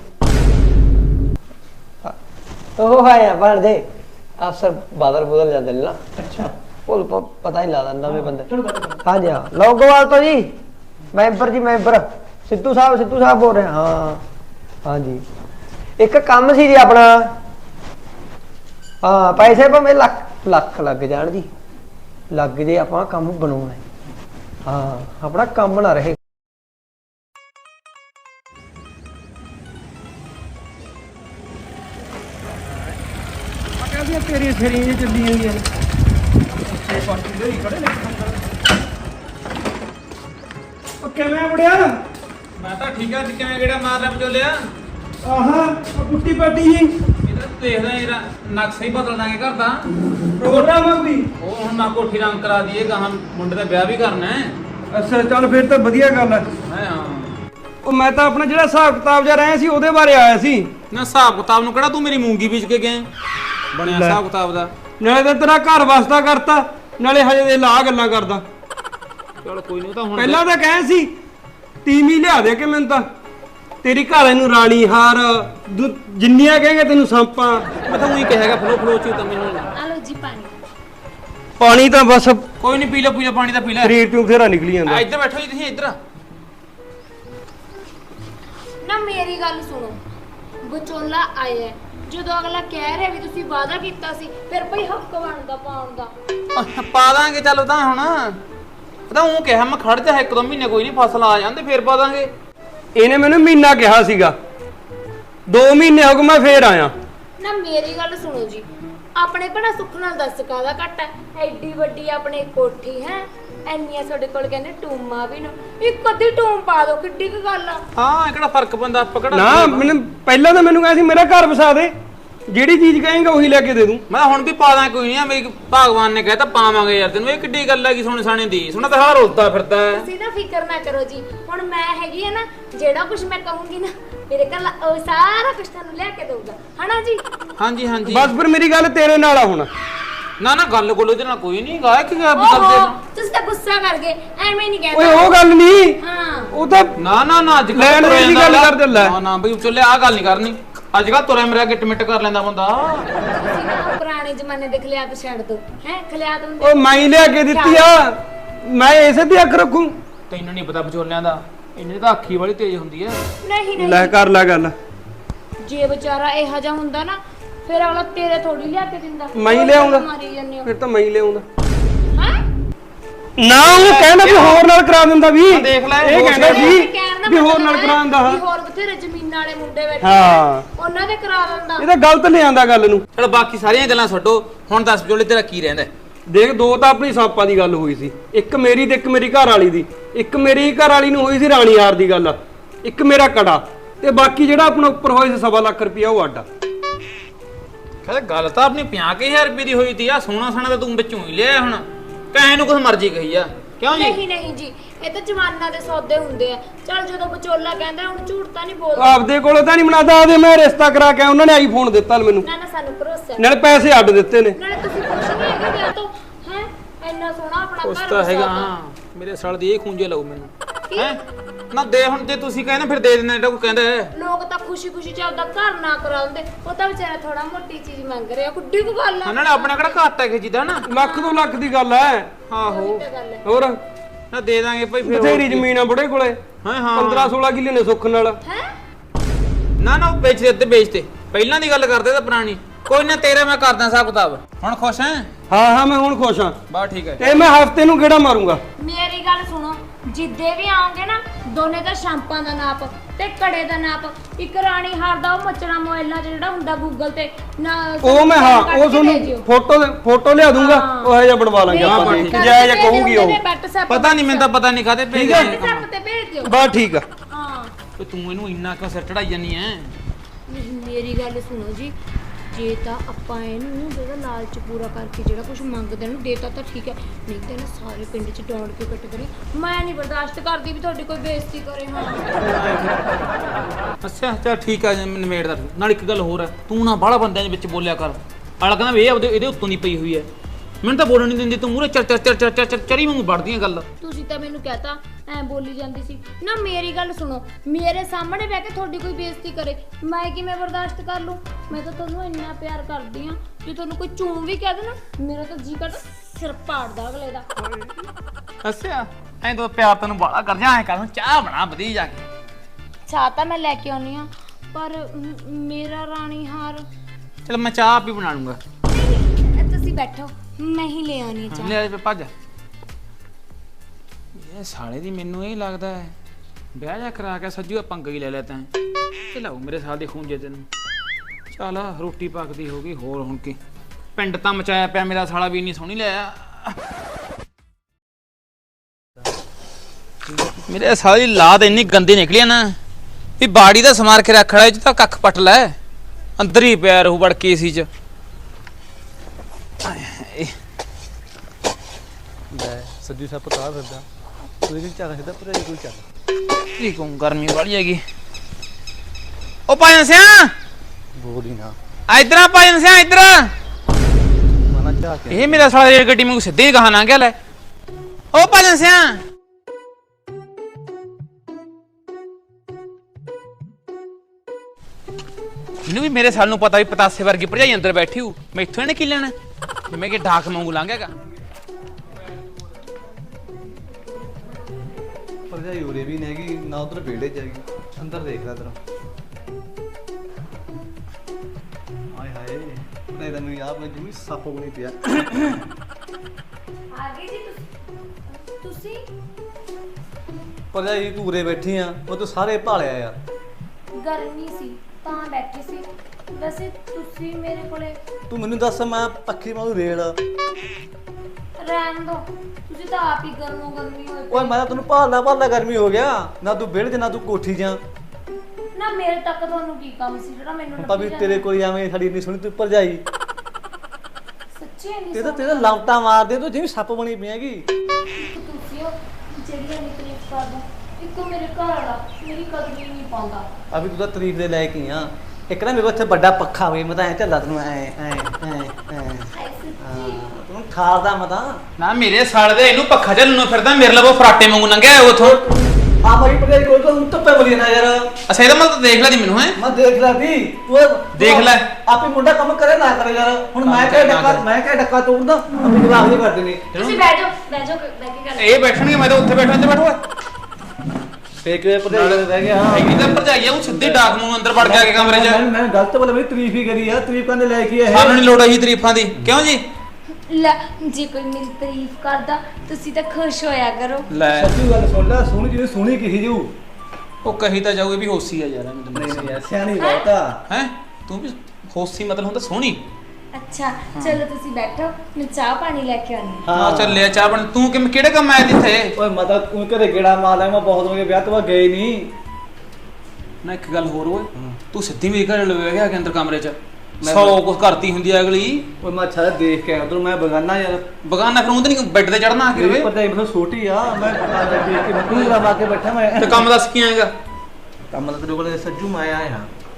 Speaker 6: ਉਹ ਆਇਆ ਬਣ ਦੇ ਅਫਸਰ ਬਾਦਲ ਬਦਲ ਜਾਂਦੇ ਨੇ ਨਾ
Speaker 2: ਅੱਛਾ
Speaker 6: ਭੁੱਲ ਪ- ਪਤਾ ਹੀ ਲਾ ਦਿੰਦਾ ਨਵੇਂ ਬੰਦੇ
Speaker 2: ਚਲੋ ਗੱਲ ਕਰ
Speaker 6: ਹਾਂਜੀ ਹਾਂ ਲੌਂਗੋਵਾਲ ਤੋਂ ਜੀ ਮੈਂਬਰ ਜੀ ਮੈਂਬਰ ਸਿੱਧੂ ਸਾਹਿਬ ਸਿੱਧੂ ਸਾਹਿਬ ਬੋਲ ਰਹੇ ਹਾਂ ਹਾਂਜੀ ਇੱਕ ਕੰਮ ਸੀ ਜੀ ਆਪਣਾ ਹਾਂ ਪੈਸੇ ਭਾਵੇਂ ਲੱਖ ਲੱਖ ਲੱਗ ਜਾਣ ਜੀ, ਲੱਗ ਜੇ ਆਪਾਂ ਕੰਮ ਬਣਾਉਣਾ ਹੈ। ਹਾਂ ਆਪਣਾ ਕੰਮ ਨਾ ਰਹੇ।
Speaker 1: ਤੇਰੀਆਂ ਫੇਰੀਆਂ ਜਿਹੀਆਂ ਚੱਲੀ ਜਾਂਦੀਆਂ ਨੇ ਉਹ ਕਿਵੇਂ ਬੜਿਆ?
Speaker 3: ਮੈਂ ਤਾਂ ਠੀਕ ਆ, ਕਿਵੇਂ ਕਿਹੜਾ ਮਾਰ ਰਿਹਾ ਬਚੋਲਿਆ?
Speaker 1: ਆਹਾ ਪੁੱਟੀ ਪਾਟੀ ਜੀ
Speaker 3: ਇਹਦਾ ਦੇਖਦਾ ਇਹਦਾ ਨਕਸ਼ਾ ਹੀ ਬਦਲ ਦਾਂਗੇ ਘਰ ਦਾ।
Speaker 1: ਪ੍ਰੋਗਰਾਮ ਆ ਕੋਈ?
Speaker 3: ਉਹ ਹੁਣ ਮੈਂ ਕੋਠੀ ਰੰਗ ਕਰਾ ਦਈਏ, ਗਾਹਾਂ ਮੁੰਡੇ ਦਾ ਵਿਆਹ ਵੀ ਕਰਨਾ ਹੈ।
Speaker 1: ਅੱਛਾ ਚੱਲ ਫਿਰ ਤਾਂ ਵਧੀਆ ਗੱਲ ਹੈ।
Speaker 3: ਹੈ ਹਾਂ।
Speaker 1: ਉਹ ਮੈਂ ਤਾਂ ਆਪਣਾ ਜਿਹੜਾ ਹਿਸਾਬ ਕਿਤਾਬ ਜਿਹਾ ਰਹੇ ਸੀ ਉਹਦੇ ਬਾਰੇ ਆਇਆ ਸੀ।
Speaker 3: ਨਾ ਹਿਸਾਬ ਕਿਤਾਬ ਨੂੰ ਕਿਹੜਾ ਤੂੰ ਮੇਰੀ ਮੂੰਗੀ ਬੀਜ ਕੇ ਗਿਆ ਬਣਿਆ ਹਿਸਾਬ ਕਿਤਾਬ ਦਾ?
Speaker 1: ਨਾਲੇ ਤਾਂ ਤੇਰਾ ਘਰ ਵਸਦਾ ਕਰਤਾ, ਨਾਲੇ ਹਜੇ ਦੇ ਲਾ ਗੱਲਾਂ ਕਰਦਾ।
Speaker 3: ਚਲ ਕੋਈ ਨਹੀਂ, ਤਾਂ ਹੁਣ
Speaker 1: ਪਹਿਲਾਂ ਤਾਂ ਕਹੇ ਸੀ ਤੀਵੀਂ ਲਿਆ ਦੇ ਕੇ ਮੈਨੂੰ ਤਾਂ ਤੇਰੀ ਘਰ ਨੂੰ ਰਾਣੀ ਹਾਰ ਦੁ- ਜਿੰਨੀਆਂ ਕਹੇਗੇ ਤੈਨੂੰ ਸੰਪਾਂ।
Speaker 3: ਮੈਂ ਤਾਂ ਉਹੀ ਕਹੇਗਾ ਫਲੋ ਫਲੋ ਚ ਤਾਂ ਮੈਨੂੰ।
Speaker 5: ਆ ਲਓ ਜੀ ਪਾਣੀ।
Speaker 1: ਪਾਣੀ ਤਾਂ ਬਸ
Speaker 3: ਕੋਈ ਨਹੀਂ, ਪੀ ਲਓ ਪੀ ਲਓ ਪਾਣੀ ਤਾਂ ਪੀ ਲੈ।
Speaker 1: ਸਰੀਰ ਤੋਂ ਫੇਰਾ ਨਿਕਲੀ ਜਾਂਦਾ।
Speaker 3: ਆ ਇੱਧਰ ਬੈਠੋ ਜੀ ਤੁਸੀਂ, ਇੱਧਰ।
Speaker 5: ਨਾ ਮੇਰੀ ਗੱਲ ਸੁਣੋ, ਵਿਚੋਲਾ ਆਇਆ ਹੈ। ਜਦੋਂ ਅਗਲਾ ਕਹਿ ਰਿਹਾ ਵੀ ਤੁਸੀਂ ਵਾਅਦਾ ਕੀਤਾ ਸੀ, ਫਿਰ ਭਈ ਹੱਕ ਬਣਦਾ ਪਾਉਣ ਦਾ।
Speaker 3: ਆਹ, ਪਾ ਦਾਂਗੇ ਚੱਲ ਤਾਂ ਹੁਣ। ਪਤਾ ਉਹ ਕਿਹਾ ਮੈਂ ਖੜ ਜਾ ਇੱਕ ਦੋ ਮਹੀਨੇ, ਕੋਈ ਨਹੀਂ ਫਸਲ ਆ ਜਾਂਦੇ ਫੇਰ ਪਾ ਦਾਂਗੇ।
Speaker 1: ਇਹਨੇ ਮੈਨੂੰ ਮਹੀਨਾ ਕਿਹਾ ਸੀਗਾ, ਦੋ ਮਹੀਨੇ ਹੋ ਗਏ ਮੈਂ ਫੇਰ ਆਇਆ।
Speaker 5: ਨਾ ਮੇਰੀ ਗੱਲ ਸੁਣੋ ਜੀ, ਆਪਣੇ ਭਣਾ ਸੁੱਖ ਨਾਲ ਦੱਸ ਕਾਹਦਾ ਘੱਟ ਹੈ? ਐਡੀ ਵੱਡੀ ਆਪਣੇ ਕੋਠੀ ਹੈ, ਐਨੀਆਂ ਤੁਹਾਡੇ ਕੋਲ ਕਹਿੰਦੇ ਟੂਮਾਂ ਵੀ ਨਾ, ਇੱਕ ਅੱਧੀ ਟੂਮ ਪਾ ਦੋ, ਕਿੱਡੀ ਕੁ ਗੱਲ ਆ।
Speaker 3: ਹਾਂ ਇਹ ਕਿਹੜਾ ਫਰਕ ਪੈਂਦਾ, ਪਕੜਾ
Speaker 1: ਨਾ ਮੈਨੂੰ ਪਹਿਲਾਂ ਤਾਂ ਮੈਨੂੰ ਕਹਿੰਦਾ ਸੀ ਮੇਰਾ ਘਰ ਵਸਾ ਦੇ, ਜਿਹੜੀ ਚੀਜ਼ ਕਹੇਂਗਾ ਉਹੀ ਲੈ ਕੇ ਦੇ ਦੂੰ।
Speaker 3: ਮੈਂ ਹੁਣ ਵੀ ਪਾ ਦਾਂ, ਕੋਈ ਨਹੀਂ। ਮੇਰੀ ਭਗਵਾਨ ਨੇ ਕਹਿਤਾ ਪਾਵਾਂਗੇ ਯਾਰ ਤੈਨੂੰ। ਇਹ ਕਿੱਡੀ ਗੱਲ ਹੈ ਕਿ ਸੋਨੇ ਸਾਣੇ ਦੀ ਸੁਣਾ ਤਾਂ ਹਾਰ ਰੋਲਦਾ ਫਿਰਦਾ ਹੈ।
Speaker 5: ਤੁਸੀਂ ਨਾ ਫਿਕਰ ਨਾ ਕਰੋ ਜੀ, ਹੁਣ ਮੈਂ ਹੈਗੀ ਆ ਨਾ, ਜਿਹੜਾ ਕੁਝ ਮੈਂ ਕਹੂੰਗੀ ਨਾ ਮੇਰੇ ਘਰ ਉਹ ਸਾਰਾ ਕੁਝ ਤੁਹਾਨੂੰ ਲਿਆ ਕੇ ਦਊਗਾ, ਹਨਾ ਜੀ?
Speaker 3: ਹਾਂਜੀ ਹਾਂਜੀ।
Speaker 1: ਬਸ ਫਿਰ ਮੇਰੀ ਗੱਲ ਤੇਰੇ ਨਾਲ ਆ ਹੁਣ।
Speaker 3: ਨਾ ਨਾ ਗੱਲ ਕੋਲ ਉਹਦੇ ਨਾਲ ਕੋਈ ਨਹੀਂ ਗਾ ਕਿ ਗੱਲ
Speaker 5: ਓਹੋ,
Speaker 3: ਕਰਦੇ।
Speaker 5: ਤੁਸੀਂ ਤਾਂ ਗੁੱਸਾ ਕਰ ਗਏ, ਐਵੇਂ ਨਹੀਂ ਕਹਿੰਦਾ।
Speaker 1: ਓਏ ਉਹ ਗੱਲ ਨਹੀਂ,
Speaker 5: ਹਾਂ
Speaker 1: ਉਹ ਤਾਂ
Speaker 3: ਨਾ ਨਾ ਨਾ ਅੱਜ
Speaker 1: ਲੈਣ ਦੇਣ ਦੀ ਗੱਲ ਕਰਦੇ ਲੈ।
Speaker 3: ਨਾ ਨਾ ਬਈ ਚੱਲੇ ਆ ਗੱਲ ਨਹੀਂ ਕਰਨੀ। ਅੱਜ ਕੱਲ ਤੁਰਿਆ ਮੇਰਾ ਗਿੱਟ ਮਿੱਟ ਕਰ ਲੈਂਦਾ ਬੰਦਾ।
Speaker 5: ਤੁਸੀਂ ਨਾ ਉਹ ਪੁਰਾਣੇ ਜ਼ਮਾਨੇ ਦੇ ਖਲਿਆਤ ਛੱਡ ਦੋ, ਹੈ ਖਲਿਆਤ ਹੁੰਦੇ।
Speaker 1: ਉਹ ਮੈਂ ਹੀ ਲਿਆ ਕੇ ਦਿੱਤੀ ਆ, ਮੈਂ ਇਸੇ ਤੇ ਅੱਖ ਰੱਖੂ।
Speaker 3: ਤੈਨੂੰ ਨਹੀਂ ਪਤਾ ਵਿਚੋਲਿਆਂ ਦਾ, ਇਹਨੇ ਤਾਂ ਅੱਖੀ ਵਾਲੀ ਤੇਜ਼ ਹੁੰਦੀ ਹੈ।
Speaker 5: ਨਹੀਂ
Speaker 1: ਲੈ
Speaker 5: ਨਹੀਂ,
Speaker 1: ਕਰ ਲੈ ਗੱਲ।
Speaker 5: ਜੇ ਵਿਚਾਰਾ ਇਹੋ ਜਿਹਾ ਹੁੰਦਾ ਨਾ, ਫਿਰ ਅਗਲਾ ਤੇਰੇ ਥੋੜੀ ਲਿਆ ਕੇ ਦਿੰਦਾ।
Speaker 1: ਮੈਂ ਹੀ
Speaker 5: ਉਹ
Speaker 1: ਲਿਆਉਂਗਾ।
Speaker 5: ਮਾਰੀ ਜਾਂਦੇ ਹੋ
Speaker 1: ਫਿਰ ਤਾਂ ਮੈਂ ਹੀ ਲਿਆਉਂਦਾ।
Speaker 5: ਹਾਂ।
Speaker 1: ਨਾ ਉਹ ਕਹਿੰਦਾ ਵੀ ਹੋਰ ਨਾਲ ਕਰਾ ਦਿੰਦਾ ਵੀ।
Speaker 3: ਆ ਦੇਖ ਲੈ,
Speaker 1: ਇਹ
Speaker 3: ਹੋਰ
Speaker 1: ਕਹਿੰਦਾ
Speaker 3: ਨਾਲ।
Speaker 1: ਸੀ
Speaker 5: ਕਹਿਣ ਦਾ
Speaker 1: ਵੀ ਹੋਰ
Speaker 5: ਮਤਲਬ
Speaker 1: ਨਾਲ
Speaker 5: ਹੈ
Speaker 1: ਕਰਾ ਦਿੰਦਾ।
Speaker 5: ਵੀ ਹੋਰ ਬਥੇਰੇ ਜ਼ਮੀਨਾਂ ਵਾਲੇ ਮੁੰਡੇ ਬੈਠੇ
Speaker 1: ਹਾਂ।
Speaker 5: ਆ, ਉਹਨਾਂ ਦੇ ਕਰਾ ਦਿੰਦਾ।
Speaker 1: ਇਹ ਤਾਂ ਗਲਤ ਲਿਆਂਦਾ ਗੱਲ ਨੂੰ।
Speaker 3: ਚਲ ਬਾਕੀ ਸਾਰੀਆਂ ਗੱਲਾਂ ਛੱਡੋ, ਹੁਣ ਦੱਸ ਵਿਚੋਲੇ ਤੇਰਾ ਕੀ ਰਹਿੰਦਾ?
Speaker 1: ਦੇਖ ਦੋ ਤਾਂ ਆਪਣੀ ਸਾਂਪਾਂ ਦੀ ਗੱਲ ਹੋਈ ਸੀ, ਇੱਕ ਮੇਰੀ ਤੇ ਇੱਕ ਮੇਰੀ ਘਰ ਵਾਲੀ ਦੀ। ਇੱਕ ਮੇਰੀ ਘਰ ਵਾਲੀ ਨੂੰ ਹੋਈ ਸੀ ਰਾਣੀ ਹਾਰ ਦੀ ਗੱਲ, ਇੱਕ ਮੇਰਾ ਕੜਾ, ਤੇ ਬਾਕੀ ਜਿਹੜਾ ਆਪਣਾ ਉੱਪਰ ਹੋਇਆ ਸੀ ਸਵਾ ਲੱਖ ਰੁਪਇਆ ਉਹ ਆਡਾ।
Speaker 3: ਕਹਿੰਦਾ ਗੱਲ ਤਾਂ ਆਪਣੀ ਪੰਜਾਹ ਹਜ਼ਾਰ ਰੁਪਏ ਦੀ ਹੋਈ ਤੀ। ਆ ਸੋਨਾ ਸਾਨਾ ਤਾਂ ਤੂੰ ਵਿੱਚੋਂ ਹੀ ਲਿਆ। ਹੁਣ ਕਹੇ ਨੂੰ ਕੁਝ ਮਰਜ਼ੀ ਕਹੀ ਆ, ਕਿਉਂ ਜੀ?
Speaker 5: ਨਹੀਂ ਨਹੀਂ ਜੀ, ਇਹ ਤਾਂ ਜਵਾਨਾਂ ਦੇ ਸੌਦੇ ਹੁੰਦੇ ਆ। ਚਲ ਜਦੋਂ ਵਿਚੋਲਾ ਕਹਿੰਦਾ, ਹੁਣ ਝੂਠ ਤਾਂ ਨਹੀਂ ਬੋਲਦਾ।
Speaker 1: ਆਪਦੇ ਕੋਲੋਂ ਤਾਂ ਨਹੀਂ ਬਣਾਦਾ, ਆਦੇ ਮੈਂ ਰਿਸ਼ਤਾ ਕਰਾ ਕੇ ਉਹਨਾਂ ਨੇ ਆਈਫੋਨ ਦਿੱਤਾ ਮੈਨੂੰ,
Speaker 5: ਨਾ ਨਾ ਸਾਨੂੰ ਭਰੋਸਾ ਹੈ।
Speaker 1: ਨਾਲੇ ਪੈਸੇ ਅੱਡ ਦਿੱਤੇ ਨੇ।
Speaker 5: ਨਾਲੇ ਤੁਸੀਂ ਕੁਛ ਨਹੀਂ ਹੈਗੇ ਵਿਆਹ ਤੋਂ, ਹੈ ਇੰਨਾ ਸੋਹਣਾ ਆਪਣਾ
Speaker 3: ਉਸ
Speaker 5: ਘਰ
Speaker 3: ਤਾਂ ਹੈਗਾ।
Speaker 5: ਵਸਾਤਾ।
Speaker 3: ਹਾਂ ਮੇਰੇ ਸਾਲ ਦੀ ਇਹ ਖੂੰਜੇ ਲਾਉ ਮੈਨੂੰ
Speaker 5: ਕੀ?
Speaker 3: ਹੈ ਨਾ ਦੇ। ਹੁਣ ਜੇ ਤੁਸੀਂ ਕਹਿੰਦੇ ਫਿਰ ਦੇ ਦੇਣਾ, ਜਿਹੜਾ ਕੋਈ ਕਹਿੰਦਾ ਹੈ।
Speaker 5: ਲੋਕ ਤਾਂ ਖੁਸ਼ੀ ਖੁਸ਼ੀ ਚ ਆਪਦਾ ਘਰ ਨਾ ਕਰਾਉਂਦੇ, ਉਹ ਤਾਂ ਵਿਚਾਰਾ ਥੋੜਾ ਮੋਟੀ ਚੀਜ਼ ਮੰਗ ਰਿਹਾ, ਕੁੱਡੀ ਕੁ ਗੱਲ ਆ।
Speaker 3: ਉਹਨਾਂ ਨੇ ਆਪਣਾ ਕਿਹੜਾ ਘਾਟਾ ਹੈ ਜਿਹਦਾ ਨਾ।
Speaker 1: ਲੱਖ ਦੋ ਲੱਖ ਦੀ ਗੱਲ ਐ।
Speaker 3: ਆਹੋ
Speaker 5: ਉਹੀ ਤਾਂ ਗੱਲ ਹੈ।
Speaker 1: ਹੋਰ
Speaker 3: ਨਾ ਦੇ ਦਾਂਗੇ ਭਾਈ ਫਿਰ।
Speaker 1: ਬਥੇਰੀ ਜ਼ਮੀਨ ਆ ਬੁੜੇ ਕੋਲੇ,
Speaker 3: ਹਾਂ ਹਾਂ
Speaker 1: ਪੰਦਰਾਂ ਸੋਲਾਂ ਕਿੱਲੇ ਨੇ ਸੁੱਖ ਨਾਲ।
Speaker 5: ਹੈ
Speaker 3: ਨਾ ਨਾ ਉਹ ਵੇਚ ਦੇ, ਅੱਧੇ ਵੇਚ ਤੇ। ਪਹਿਲਾਂ ਦੀ ਗੱਲ ਕਰਦੇ ਤਾਂ ਪੁਰਾਣੀ। ਕੋਈ ਨਾ ਤੇਰਾ ਮੈਂ ਕਰਦਾ ਹਿਸਾਬ ਕਿਤਾਬ। ਹੁਣ ਖੁਸ਼ ਹੈ?
Speaker 1: ਹਾਂ ਹਾਂ ਮੈਂ ਹੁਣ ਖੁਸ਼ ਹਾਂ,
Speaker 3: ਬਾ ਠੀਕ ਹੈ।
Speaker 1: ਤੇ ਮੈਂ ਹਫਤੇ ਨੂੰ ਗੇੜਾ ਮਾਰੂੰਗਾ।
Speaker 5: ਮੇਰੀ ਗੱਲ ਸੁਣੋ, ਜਿੱਦੇ ਵੀ ਆਉਂਗੇ ਨਾ, ਦੋਨੇ ਦਾ ਸ਼ਾਂਪਾਂ ਦਾ ਨਾਪ ਤੇ ਕੜੇ ਦਾ ਨਾਪ, ਇੱਕ ਰਾਣੀ ਹਾਰ ਦਾ ਉਹ ਮੱਚਣਾ ਮੋਬਾਈਲਾਂ 'ਚ ਜਿਹੜਾ ਹੁੰਦਾ ਗੂਗਲ ਤੇ ਨਾ,
Speaker 1: ਉਹ ਮੈਂ ਹਾਂ
Speaker 5: ਕੱਢ
Speaker 1: ਉਹ
Speaker 5: ਕੇ
Speaker 1: ਤੁਹਾਨੂੰ
Speaker 5: ਭੇਜਿਓ।
Speaker 1: ਫੋਟੋ ਫੋਟੋ ਲਿਆ ਦੂੰਗਾ,
Speaker 5: ਹਾਂ।
Speaker 1: ਉਹ ਜਿਹਾ ਬਣਵਾ ਲਾਂਗੇ ਆਪਾਂ
Speaker 5: ਨਹੀਂ,
Speaker 1: ਦੇਖ
Speaker 5: ਕਰਕੇ
Speaker 1: ਜਾਇ ਜਾਂ
Speaker 5: ਭੇਜ ਦਿਓ,
Speaker 1: ਕਹੂਗੀ ਉਹ।
Speaker 5: ਉਹਦੇ WhatsApp
Speaker 3: ਪਤਾ ਨਹੀਂ, ਮੈਨੂੰ ਤਾਂ ਪਤਾ ਨਹੀਂ ਕਾਹਦੇ ਭੇਜ
Speaker 1: ਠੀਕ ਹੈ।
Speaker 3: ਰਹੇ ਕੰਮ।
Speaker 5: WhatsApp ਤੇ ਭੇਜ ਦਿਓ।
Speaker 1: ਬਸ ਠੀਕ ਆ।
Speaker 5: ਹਾਂ
Speaker 3: ਤੇ ਤੂੰ ਇਹਨੂੰ ਇੰਨਾ ਕਿਉਂ ਸਿਰ ਚੜਾਈ ਜਾਨੀ ਐ?
Speaker 5: ਮੇਰੀ ਗੱਲ ਸੁਣੋ ਜੀ, ਜੇ ਤਾਂ ਆਪਾਂ ਇਹਨੂੰ ਜਿਹੜਾ ਲਾਲਚ ਪੂਰਾ ਕਰਕੇ ਜਿਹੜਾ ਕੁਝ ਮੰਗਦੇ ਨੂੰ ਦੇਤਾ ਤਾਂ ਠੀਕ ਹੈ, ਨਹੀਂ ਤਾਂ ਨਾ ਸਾਰੇ ਪਿੰਡ 'ਚ ਡੌੜ ਕੇ ਕੱਟ ਕਰੇ। ਮੈਂ ਨਹੀਂ ਬਰਦਾਸ਼ਤ ਕਰਦੀ ਵੀ ਤੁਹਾਡੀ ਕੋਈ ਬੇਇੱਜ਼ਤੀ ਕਰੇ। ਹਾਂ
Speaker 3: ਅੱਛਾ ਚੱਲ ਠੀਕ ਆ, ਨਿਮੇੜ ਦਾ। ਨਾਲ ਇੱਕ ਗੱਲ ਹੋਰ ਹੈ, ਤੂੰ ਨਾ ਬਾਹਲਾ ਬੰਦਿਆਂ ਦੇ ਵਿੱਚ ਬੋਲਿਆ ਕਰ। ਆਲਾ ਕਹਿੰਦਾ ਵੀ ਇਹ ਆਪਦੇ ਇਹਦੇ ਉੱਤੋਂ ਦੀ ਪਈ ਹੋਈ ਹੈ, ਮੈਨੂੰ ਤਾਂ ਬੋਲਣ ਨਹੀਂ ਦਿੰਦੀ। ਤੂੰ ਮੂਹਰੇ ਚਰ ਚਰ ਚਰ ਚਰ ਚਰ ਚਰੀ ਵਾਂਗੂ ਵੜਦੀਆਂ ਗੱਲ।
Speaker 5: ਤੁਸੀਂ ਤਾਂ ਮੈਨੂੰ ਕਹਤਾ ਐ ਬੋਲੀ ਜਾਂਦੀ ਸੀ ਨਾ। ਮੇਰੀ ਗੱਲ ਸੁਣੋ, ਮੇਰੇ ਸਾਹਮਣੇ ਬਹਿ ਕੇ ਤੁਹਾਡੀ ਕੋਈ ਬੇਇੱਜ਼ਤੀ ਕਰੇ, ਮੈਂ ਕਿਵੇਂ ਬਰਦਾਸ਼ਤ ਕਰ ਲੂੰ? ਮੈਂ ਤਾਂ ਤੁਹਾਨੂੰ ਇੰਨਾ ਪਿਆਰ ਕਰਦੀ ਆ, ਜੇ ਤੁਹਾਨੂੰ ਕੋਈ ਚੂੰ ਵੀ ਕਹਿ ਦੇ ਨਾ, ਮੇਰਾ ਤਾਂ ਜੀ ਕਰਦਾ ਸਿਰ ਪਾੜਦਾ ਅਗਲੇ ਦਾ।
Speaker 3: ਅੱਛਾ ਐਂ ਤਾਂ ਪਿਆਰ ਤੈਨੂੰ ਬਾਹਲਾ ਕਰ ਜਾ। ਐਂ ਕਰ ਚਾਹ ਬਣਾ ਵਧੀ ਜਾ ਕੇ।
Speaker 5: ਚਾਹ ਤਾਂ ਮੈਂ ਲੈ ਕੇ ਆਉਣੀ ਆ, ਪਰ ਮ- ਮੇਰਾ ਰਾਣੀ ਹਾਰ
Speaker 3: ਚਲ ਮੈਂ ਚਾਹ ਆਪ ਹੀ ਬਣਾ ਲੂੰਗਾ।
Speaker 5: ਤੁਸੀਂ ਬੈਠੋ ਮੈਂ ਹੀ ਲੈ ਆਉਣੀ ਚਾਹ।
Speaker 3: ਲੈ ਆ ਭੱਜ। ਇਹ ਸਾਲੇ ਦੀ ਮੈਨੂੰ ਇਹ ਲੱਗਦਾ ਹੈ ਵਿਆਹ ਜਾ ਕਰਾ ਕੇ ਸੱਜੂ ਆ ਪੰਗਾ ਹੀ ਲੈ ਲਿਆ ਤੈਂ। ਚਲਾਓ ਮੇਰੇ ਸਾਲ ਦੇ ਖੂੰਜੇ ਤੈਨੂੰ। ਚੱਲ ਰੋਟੀ ਪੱਕਦੀ ਹੋ ਗਈ ਹੋਰ ਹੁਣ ਕੀ। ਪਿੰਡ ਤਾਂ ਮਚਾਇਆ ਪਿਆ ਮੇਰਾ ਸਾਲਾ ਵੀ ਇੰਨੀ ਸੋਹਣੀ ਲਿਆ। ਮੇਰੇ ਸਾਲੀ ਲਾਦ ਇੰਨੀ ਗੰਦੀ ਨਿਕਲੀ ਆ ਨਾ ਵੀ ਬਾੜੀ ਦਾ ਸਮਾਰ ਕੇ ਰੱਖ ਲੈ ਇਹ 'ਚ ਤਾਂ ਕੱਖ ਪੱਟ ਲੈ ਅੰਦਰ ਹੀ ਪਿਆ ਰਹੂ ਵੜ ਕੇ ਏਸੀ 'ਚ।
Speaker 7: ਲੈ ਸੱਜੂ ਸਾਹਿਬ ਪਤਾ ਫਿਰਦਾ ਕੋਈ ਨਹੀਂ ਚੱਲ ਸਕਦਾ ਪਰ ਕੋਈ ਚੱਲ
Speaker 3: ਕੀ ਕਹੂੰ ਗਰਮੀ ਵਾਲੀ ਹੈਗੀ। ਉਹ ਭਾਜਨ ਸਿਆ
Speaker 7: ਬੋਲ ਹੀ ਨਾ
Speaker 3: ਇਧਰ ਆ ਭਾਜਨ ਸਿਆ ਇਧਰ।
Speaker 7: ਮਨਾ ਚਾਹ ਕੇ
Speaker 3: ਇਹ ਮੇਰਾ ਸਾਲਾ ਰੇਲ ਗੱਡੀ ਮੈਨੂੰ ਸਿੱਧੇ ਹੀ ਕਹਾ ਨਾ ਗਿਆ ਲੈ। ਉਹ ਭਾਜਨ ਸਿਆ ਮੈਨੂੰ ਵੀ ਮੇਰੇ ਸਾਲ ਨੂੰ ਪਤਾ ਵੀ ਪਤਾਸੇ ਵਰਗੀ ਭਰਜਾਈ ਅੰਦਰ ਬੈਠੀ ਹੂ ਮੈਥੋਂ ਇਹਨੇ ਕੀ ਲੈਣਾ ਜਿਵੇਂ ਕਿ ਢਾਕ ਵਾਂਗੂ ਲੰਘੇਗਾ।
Speaker 7: ਭਰਜਾਈ ਉਰੇ ਵੀ ਨਹੀਂ ਹੈਗੀ ਨਾ ਉਧਰ ਵਿਹੜੇ ਚ ਹੈਗੀ ਅੰਦਰ ਦੇਖ ਲੈ ਤੇਰਾ ਹਾਏ ਹਾਏ ਨਹੀਂ ਤਾਂ ਮੈਨੂੰ ਯਾਦ ਮੈਂ ਜਿਵੇਂ ਸੱਪ ਬਣੀ ਪਿਆ
Speaker 5: ਆ ਗਏ ਜੀ ਤੁਸੀਂ ਤੁਸੀਂ
Speaker 7: ਭਰਜਾਈ ਤੂੰ ਉਰੇ ਬੈਠੀ ਆ ਉਹ ਤੂੰ ਸਾਰੇ ਭਾਲਿਆ ਯਾਰ
Speaker 5: ਗਰਮੀ ਸੀ ਤਾਂ ਬੈਠੀ ਸੀ। ਵੈਸੇ ਤੁਸੀਂ ਮੇਰੇ ਕੋਲੇ
Speaker 7: ਤੂੰ ਮੈਨੂੰ ਦੱਸ ਮੈਂ ਪੱਖੀ ਮਾਰੂ ਰੇਲ
Speaker 5: ਰਹਿਣ ਦੋ ਤੁਸੀਂ ਤਾਂ ਆਪ ਹੀ ਗਰਮੋ ਗਰਮੀ ਹੋਏ
Speaker 7: ਓਏ ਮੈਂ ਤਾਂ ਤੈਨੂੰ ਭਾਲਦਾ ਭਾਲਦਾ ਗਰਮੀ ਹੋ ਗਿਆ ਨਾ ਤੂੰ ਵਿਹੜੇ ਚ ਨਾ ਤੂੰ ਕੋਠੀ ਜਾ
Speaker 5: ਨਾ ਮੇਰੇ ਤੱਕ ਤੁਹਾਨੂੰ ਕੀ ਕੰਮ ਸੀ ਜਿਹੜਾ ਮੈਨੂੰ
Speaker 7: ਭਾਵੇਂ ਤੇਰੇ ਕੋਲ ਐਵੇਂ ਸਾਡੀ ਇੰਨੀ ਸੋਹਣੀ ਤੂੰ ਭਰਜਾਈ
Speaker 5: ਸੱਚੀ ਨਹੀਂ
Speaker 7: ਤੇ ਤਾਂ ਤੇਰਾ ਲੰਮਟਾ ਮਾਰਦੇ ਤੂੰ ਜਿਵੇਂ ਸੱਪ ਬਣੀ ਪਈ ਹੈਗੀ
Speaker 5: ਤੁਸੀਂ ਉਹ ਜਿਹੜੀ ਇੰਨੀ ਤਾਰੀਫ ਕਰਦਾ ਇੱਕ ਮੇਰੇ ਘਰ ਵਾਲਾ ਮੇਰੀ ਕਦਰ ਹੀ ਨਹੀਂ ਪਾਉਂਦਾ।
Speaker 7: ਅਭੀ ਤੂੰ ਤਾਂ ਤਾਰੀਫ ਦੇ ਲਾਇਕ ਹੀ ਆ ਇੱਕ ਨਾ ਮੇਰੇ ਕੋਲ ਇੱਥੇ ਵੱਡਾ ਪੱਖਾ ਹੋਵੇ ਮੈਂ ਤਾਂ ਐ ਝੱਲਾ ਤੈਨੂੰ ਐ ਐ ਐ ਐ
Speaker 5: ਹਾਏ ਸੱਚੀ
Speaker 7: ਤੂੰ ਖਾਰਦਾ ਮੈਂ ਤਾਂ
Speaker 3: ਨਾ ਮੇਰੇ ਸਾਲ ਦੇ ਇਹਨੂੰ ਪੱਖਾ ਚੱਲਣ ਨੂੰ ਫਿਰਦਾ ਮੇਰੇ ਲਵੋ ਫਰਾਟੇ ਵਾਂਗੂ ਲੰਘਿਆ ਉਥੋਂ।
Speaker 7: ਆ ਮੇਰੀ ਭਰਜਾਈ ਕੋਲ ਤਾਂ ਉੱਤੋਂ ਪੈ ਬਲੀ ਨਾ ਯਾਰ
Speaker 3: ਅਸੇ ਇਹਦਾ ਮਤਲਬ ਦੇਖ ਲੈ ਦੀ ਮੈਨੂੰ ਹੈ
Speaker 7: ਮੈਂ ਦੇਖ ਲਾ ਦੀ ਤੂੰ
Speaker 3: ਦੇਖ ਲੈ।
Speaker 7: ਆਪੇ ਮੁੰਡਾ ਕੰਮ ਕਰੇ ਨਾ ਕਰੇ ਯਾਰ ਹੁਣ ਮੈਂ ਕਿਹ ਡੱਕਾ ਮੈਂ ਕਿਹ ਡੱਕਾ ਤੋੜਦਾ ਆਪੇ ਜਵਾਬ ਨਹੀਂ ਕਰਦੇ ਨੇ
Speaker 5: ਤੁਸੀਂ ਬਹਿ ਜਾਓ ਬਹਿ ਜਾਓ ਬਹਿ ਕੇ ਗੱਲ
Speaker 3: ਇਹ ਬੈਠਣਗੇ ਮੈਂ ਤਾਂ ਉੱਥੇ ਬੈਠਾ ਤੇ ਬੈਠੂਗਾ।
Speaker 7: ਫੇਕ ਭਰਜਾਈ ਰਹਿ ਗਿਆ
Speaker 3: ਇੰਨੀ ਤਾਂ ਭਰਜਾਈ ਆ ਉਹ ਸਿੱਧੇ ਡਾਕ ਨੂੰ ਅੰਦਰ ਵੜ ਗਿਆ ਕੇ ਕਮਰੇ 'ਚ।
Speaker 7: ਮੈਂ ਮੈਂ ਗਲਤ ਬੋਲਿਆ ਮੇਰੀ ਤਾਰੀਫ ਹੀ ਕਰੀ ਆ ਤਾਰੀਫ ਕਰਨ ਦੇ ਲਾਇਕ ਹੀ ਇਹ
Speaker 3: ਸਾਨੂੰ ਨਹੀਂ ਲੋੜ ਆਹੀ ਤਾਰੀਫਾਂ ਦੀ ਕਿਉਂ ਜੀ।
Speaker 5: ਲੈ ਜੇ ਕੋਈ ਮੇਰੀ ਤਾਰੀਫ ਕਰਦਾ ਤੁਸੀਂ ਤਾਂ ਖੁਸ਼ ਹੋਇਆ ਕਰੋ।
Speaker 3: ਲੈ
Speaker 7: ਸੱਚੀ ਗੱਲ ਸੁਣ ਲੈ ਸੋਹਣੀ ਜਿਹੀ ਸੋਹਣੀ ਕਿਹੀ ਜੂ
Speaker 3: ਉਹ ਕਹੀ ਤਾਂ ਜਾਊਗੀ ਵੀ ਹੋਸੀ ਆ ਯਾਰ
Speaker 7: ਨਹੀਂ ਨਹੀਂ ਯਾਰ ਸਿਆਣੀ ਬਾਤ ਆ
Speaker 3: ਹੈ ਤੂੰ ਵੀ ਹੋਸੀ ਮਤਲਬ ਹੁੰਦਾ ਸੋਹਣੀ।
Speaker 5: ਅੱਛਾ ਚਲੋ ਤੁਸੀਂ ਬੈਠੋ ਮੈਂ ਚਾਹ ਪਾਣੀ ਲੈ ਕੇ ਆਉਂਦੀ
Speaker 3: ਹਾਂ ਚੱਲਿਆ ਚਾਹ ਬਣ ਤੂੰ ਕਿ ਕਿਹੜੇ ਕੰਮ ਆਇਆ ਜਿੱਥੇ।
Speaker 7: ਓਏ ਮਤਾ ਤੂੰ ਘਰੇ ਗੇੜਾ ਮਾਰ ਲੈ ਮੈਂ ਬਹੁਤ ਹੋ ਗਿਆ ਵਿਆਹ ਤੋਂ ਬਾਅਦ ਗਏ ਨਹੀਂ
Speaker 3: ਨਾ ਇੱਕ ਗੱਲ ਹੋਰ ਓਏ ਤੂੰ ਸਿੱਧੀ ਮੇਰੇ ਘਰ ਲਵੇ ਗਿਆ ਕਿ ਅੰਦਰ ਕਮਰੇ 'ਚ ਸੌ ਕੁਝ ਕਰਤੀ ਹੁੰਦੀ ਆ ਅਗਲੀ।
Speaker 7: ਓਏ ਮੈਂ ਅੱਛਾ ਦੇਖ ਕੇ ਉਧਰ ਮੈਂ ਬਗਾਨਾ ਯਾਰ
Speaker 3: ਬਗਾਨਾ ਫਿਰ ਉਹ ਤਾਂ ਨਹੀਂ ਬੈੱਡ ਤੇ ਚੜਨਾ ਆ ਕੇ
Speaker 7: ਮੇਰੀ
Speaker 3: ਰਵੇ
Speaker 7: ਪਤਾ ਹੀ ਛੋਟੀ ਆ ਮੈਂ ਬਗਾਨਾ ਦੇਖ ਕੇ ਮੈਂ ਲਾ ਲਾ ਕੇ ਬੈਠਾ ਮੈਂ
Speaker 3: ਤੇ ਕੰਮ ਦੱਸ ਕੀ ਆਏਗਾ।
Speaker 7: ਕੰਮ ਤਾਂ ਤੇਰੇ ਕੋਲ ਸੱਜੂ ਮੈਂ ਆਇਆ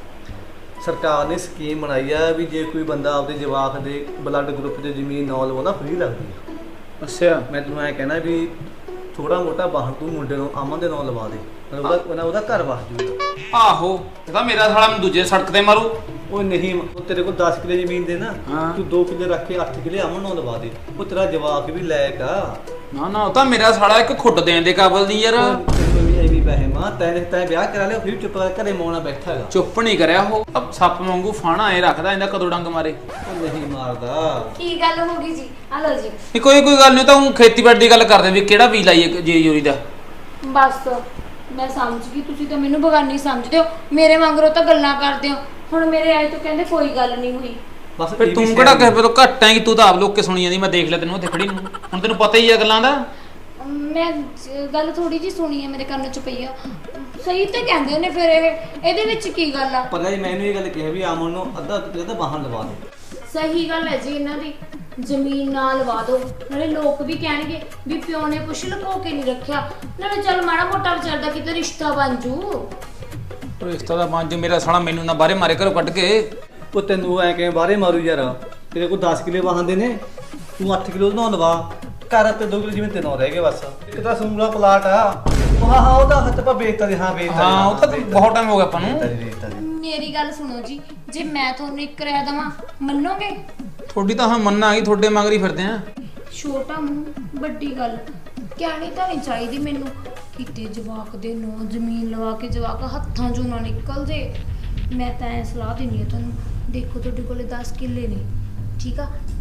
Speaker 7: ਸਰਕਾਰ ਨੇ ਸਕੀਮ ਬਣਾਈ ਆ ਵੀ ਜੇ ਕੋਈ ਬੰਦਾ ਆਪਦੇ ਜਵਾਕ ਦੇ ਬਲੱਡ ਗਰੁੱਪ ਦੇ ਜ਼ਮੀਨ ਨਾ ਲਵਾਉਂਦਾ ਫ੍ਰੀ ਲੱਗਦੀ ਆ।
Speaker 3: ਅੱਛਾ
Speaker 7: ਮੈਂ ਤੈਨੂੰ ਐ ਕਹਿਣਾ ਵੀ ਥੋੜਾ ਮੋਟਾ ਬਾਹਰ ਤੂੰ ਮੁੰਡੇ ਨੂੰ ਅਮਨ ਦੇ ਨਾਲ ਲਵਾ ਦੇ ਮਤਲਬ ਉਹਦਾ ਉਹਦਾ- ਉਹਦਾ ਘਰ ਵਸ ਜੂਗਾ।
Speaker 3: ਆਹੋ ਇਹਦਾ ਮੇਰਾ ਸਾਲਾ ਮੈਨੂੰ ਦੂਜੇ ਸੜਕ ਤੇ ਮਾਰੂ।
Speaker 7: ਉਹ ਨਹੀਂ ਉਹ ਤੇਰੇ ਕੋਲ ਦਸ ਕਿੱਲੇ ਜ਼ਮੀਨ ਦੇ ਨਾ
Speaker 3: ਹਾਂ।
Speaker 7: ਤੂੰ ਦੋ ਕਿੱਲੇ ਰੱਖ ਕੇ ਅੱਠ ਕਿੱਲੇ ਅਮਨ ਨੂੰ ਲਵਾ ਦੇ ਉਹ ਤੇਰਾ ਜਵਾਕ ਵੀ ਲਾਇਕ ਆ।
Speaker 3: ਨਾ ਨਾ ਉਹ ਤਾਂ ਮੇਰਾ ਸਾਲਾ ਇੱਕ ਖੁੱਡ ਦੇਣ ਦੇ ਕਾਬਲ ਨਹੀਂ ਯਾਰ।
Speaker 7: ਉਹ ਤੈਨੂੰ ਵੀ ਐਵੇਂ ਪੈਸੇ ਮਾਂ ਤੈਂ ਤੈਂ ਵਿਆਹ ਕਰਾ ਲਿਆ ਫਿਰ ਚੁੱਪ ਕਰਕੇ ਘਰੇ ਮੌਣਾ ਬੈਠਾ ਹੈਗਾ
Speaker 3: ਚੁੱਪ ਨਹੀਂ ਕਰਿਆ ਉਹ ਅਬ ਸੱਪ ਵਾਂਗੂ ਫਾਣਾ ਐ ਰੱਖਦਾ ਇਹਦਾ ਕਦੋਂ ਡੰਗ ਮਾਰੇ।
Speaker 7: ਉਹ ਨਹੀਂ ਮਾਰਦਾ
Speaker 5: ਕੀ ਗੱਲ ਹੋ ਗਈ ਜੀ ਆ ਲਓ ਜੀ
Speaker 3: ਇਹ ਕੋਈ ਕੋਈ ਗੱਲ ਨਹੀਂ ਤਾਂ ਉਹ ਖੇਤੀਬਾੜੀ ਦੀ ਗੱਲ ਕਰਦੇ ਵੀ ਕਿਹੜਾ ਬੀਜ ਲਾਈਏ ਜੇ ਜੋਰੀ ਦਾ।
Speaker 5: ਬਸ ਮੈਂ ਸਮਝ ਗਈ ਤੁਸੀਂ ਤਾਂ ਮੈਨੂੰ ਬਗਾਨੀ ਸਮਝਦੇ ਹੋ ਮੇਰੇ ਵਾਂਗਰੋਂ ਤਾਂ ਗੱਲਾਂ ਕਰਦੇ ਹੋ ਹੁਣ ਮੇਰੇ ਆਏ ਤੋਂ ਕਹਿੰਦੇ ਕੋਈ ਗੱਲ ਨਹੀਂ ਹੋਈ।
Speaker 7: ਬਸ
Speaker 3: ਫਿਰ ਤੂੰ ਕਿਹੜਾ ਕਿਸੇ ਤੋਂ ਘੱਟ ਐ ਕਿ ਤੂੰ ਤਾਂ ਆਪ ਲੋਕ ਕੇ ਸੁਣੀ ਜਾਂਦੀ ਮੈਂ ਦੇਖ ਲਿਆ ਤੈਨੂੰ ਉੱਥੇ ਖੜੀ ਨੂੰ ਹੁਣ ਤੈਨੂੰ ਪਤਾ ਹੀ ਆ ਗੱਲਾਂ ਦਾ।
Speaker 5: ਮੈਂ ਜ- ਗੱਲ ਥੋੜੀ ਜੀ ਸੁਣੀ ਹੈ ਮੇਰੇ ਕੰਨ ਚ ਪਈ ਆ ਸਹੀ ਤੇ ਕਹਿੰਦੇ ਨੇ ਫਿਰ ਇਹ ਇਹਦੇ ਵਿੱਚ ਕੀ ਗੱਲ ਆ।
Speaker 7: ਪਤਾ ਜੀ ਮੈਨੂੰ ਇਹ ਗੱਲ ਕਿਹਾ ਵੀ ਅਮਨ ਨੂੰ ਅੱਧਾ ਕਿੱਲੇ ਤਾਂ ਬਾਹਰ ਲਵਾ ਦੇ।
Speaker 5: ਸਹੀ ਗੱਲ ਹੈ ਜੀ ਇਹਨਾਂ ਦੀ ਜ਼ਮੀਨ ਨਾਲ ਲਵਾ ਦਿਓ ਨਾਲੇ ਲੋਕ ਵੀ ਕਹਿਣਗੇ ਵੀ ਪਿਓ ਨੇ ਕੁਛ ਲੁਕੋ ਕੇ ਨਹੀਂ ਰੱਖਿਆ ਨਾਲੇ ਚੱਲ ਮਾੜਾ ਮੋਟਾ ਵਿਚਾਰ ਦਾ ਕਿਤੇ ਰਿਸ਼ਤਾ ਬਣ ਜੂ।
Speaker 3: ਰਿਸ਼ਤਾ ਦਾ ਬਣ ਜੂ ਮੇਰਾ ਸਾਲਾ ਮੈਨੂੰ ਨਾ ਬਾਹਰੇ ਮਾਰੇ ਘਰੋਂ ਕੱਢ ਕੇ।
Speaker 7: ਉਹ ਤੈਨੂੰ ਐ ਕਿਵੇਂ ਬਾਹਰੇ ਮਾਰੂ ਯਾਰ ਤੇਰੇ ਕੋਲ ਦਸ ਕਿੱਲੇ ਵਾਹਨ ਨੇ ਤੂੰ ਅੱਠ ਕਿੱਲੇ ਉਹਦੇ ਨਾਲ ਲਵਾ ਘਰ ਤੇ ਦੋ ਕਿੱਲੇ ਜਿਵੇਂ ਤੇ ਨੌ ਰਹਿ ਗਏ ਬਸ ਇੱਕ ਤਾਂ ਸੂਲਾ ਪਲਾਟ ਆ ਉਹ ਹਾਂ ਹਾਂ ਉਹਦਾ ਹੱਥ ਪਾ ਵੇਚਤਾ ਜੀ ਹਾਂ ਵੇਚਤਾ
Speaker 3: ਹਾਂ ਉਹ ਤਾਂ ਬਹੁਤ ਟਾਈਮ ਹੋ ਗਿਆ ਆਪਾਂ ਨੂੰ।
Speaker 7: ਵੇਚਤਾ ਜੀ
Speaker 5: ਮੇਰੀ ਗੱਲ ਸੁਣੋ ਜੀ ਜੇ ਮੈਂ ਤੁਹਾਨੂੰ ਇੱਕ ਰਹਿ ਦੇਵਾਂ ਮੰਨੋਗੇ।
Speaker 3: ਤੁਹਾਡੀ ਤਾਂ ਹਾਂ ਮੰਨਾ ਆ ਗਈ ਤੁਹਾਡੇ ਮਗਰੀ ਫਿਰਦੇ ਆ।
Speaker 5: ਛੋਟਾ ਮੂੰਹ ਵੱਡੀ ਗੱਲ ਕਹਿਣੀ ਤਾਂ ਨਹੀਂ ਚਾਹੀਦੀ ਮੈਨੂੰ ਕਿਤੇ ਜਵਾਕ ਦੇ ਨੋ ਜ਼ਮੀਨ ਲਵਾ ਕੇ ਜਵਾਕ ਹੱਥਾਂ ਚੋਂ ਨਾ ਨਿਕਲ ਜੇ। ਮੈਂ ਤਾਂ ਐ ਸਲਾਹ ਦਿੰਦੀ ਆ ਤੁਹਾਨੂੰ ਦੇਖੋ ਤੁਹਾਡੇ ਕੋਲੇ ਦਸ ਕਿੱਲੇ ਨੇ ਠੀਕ ਆ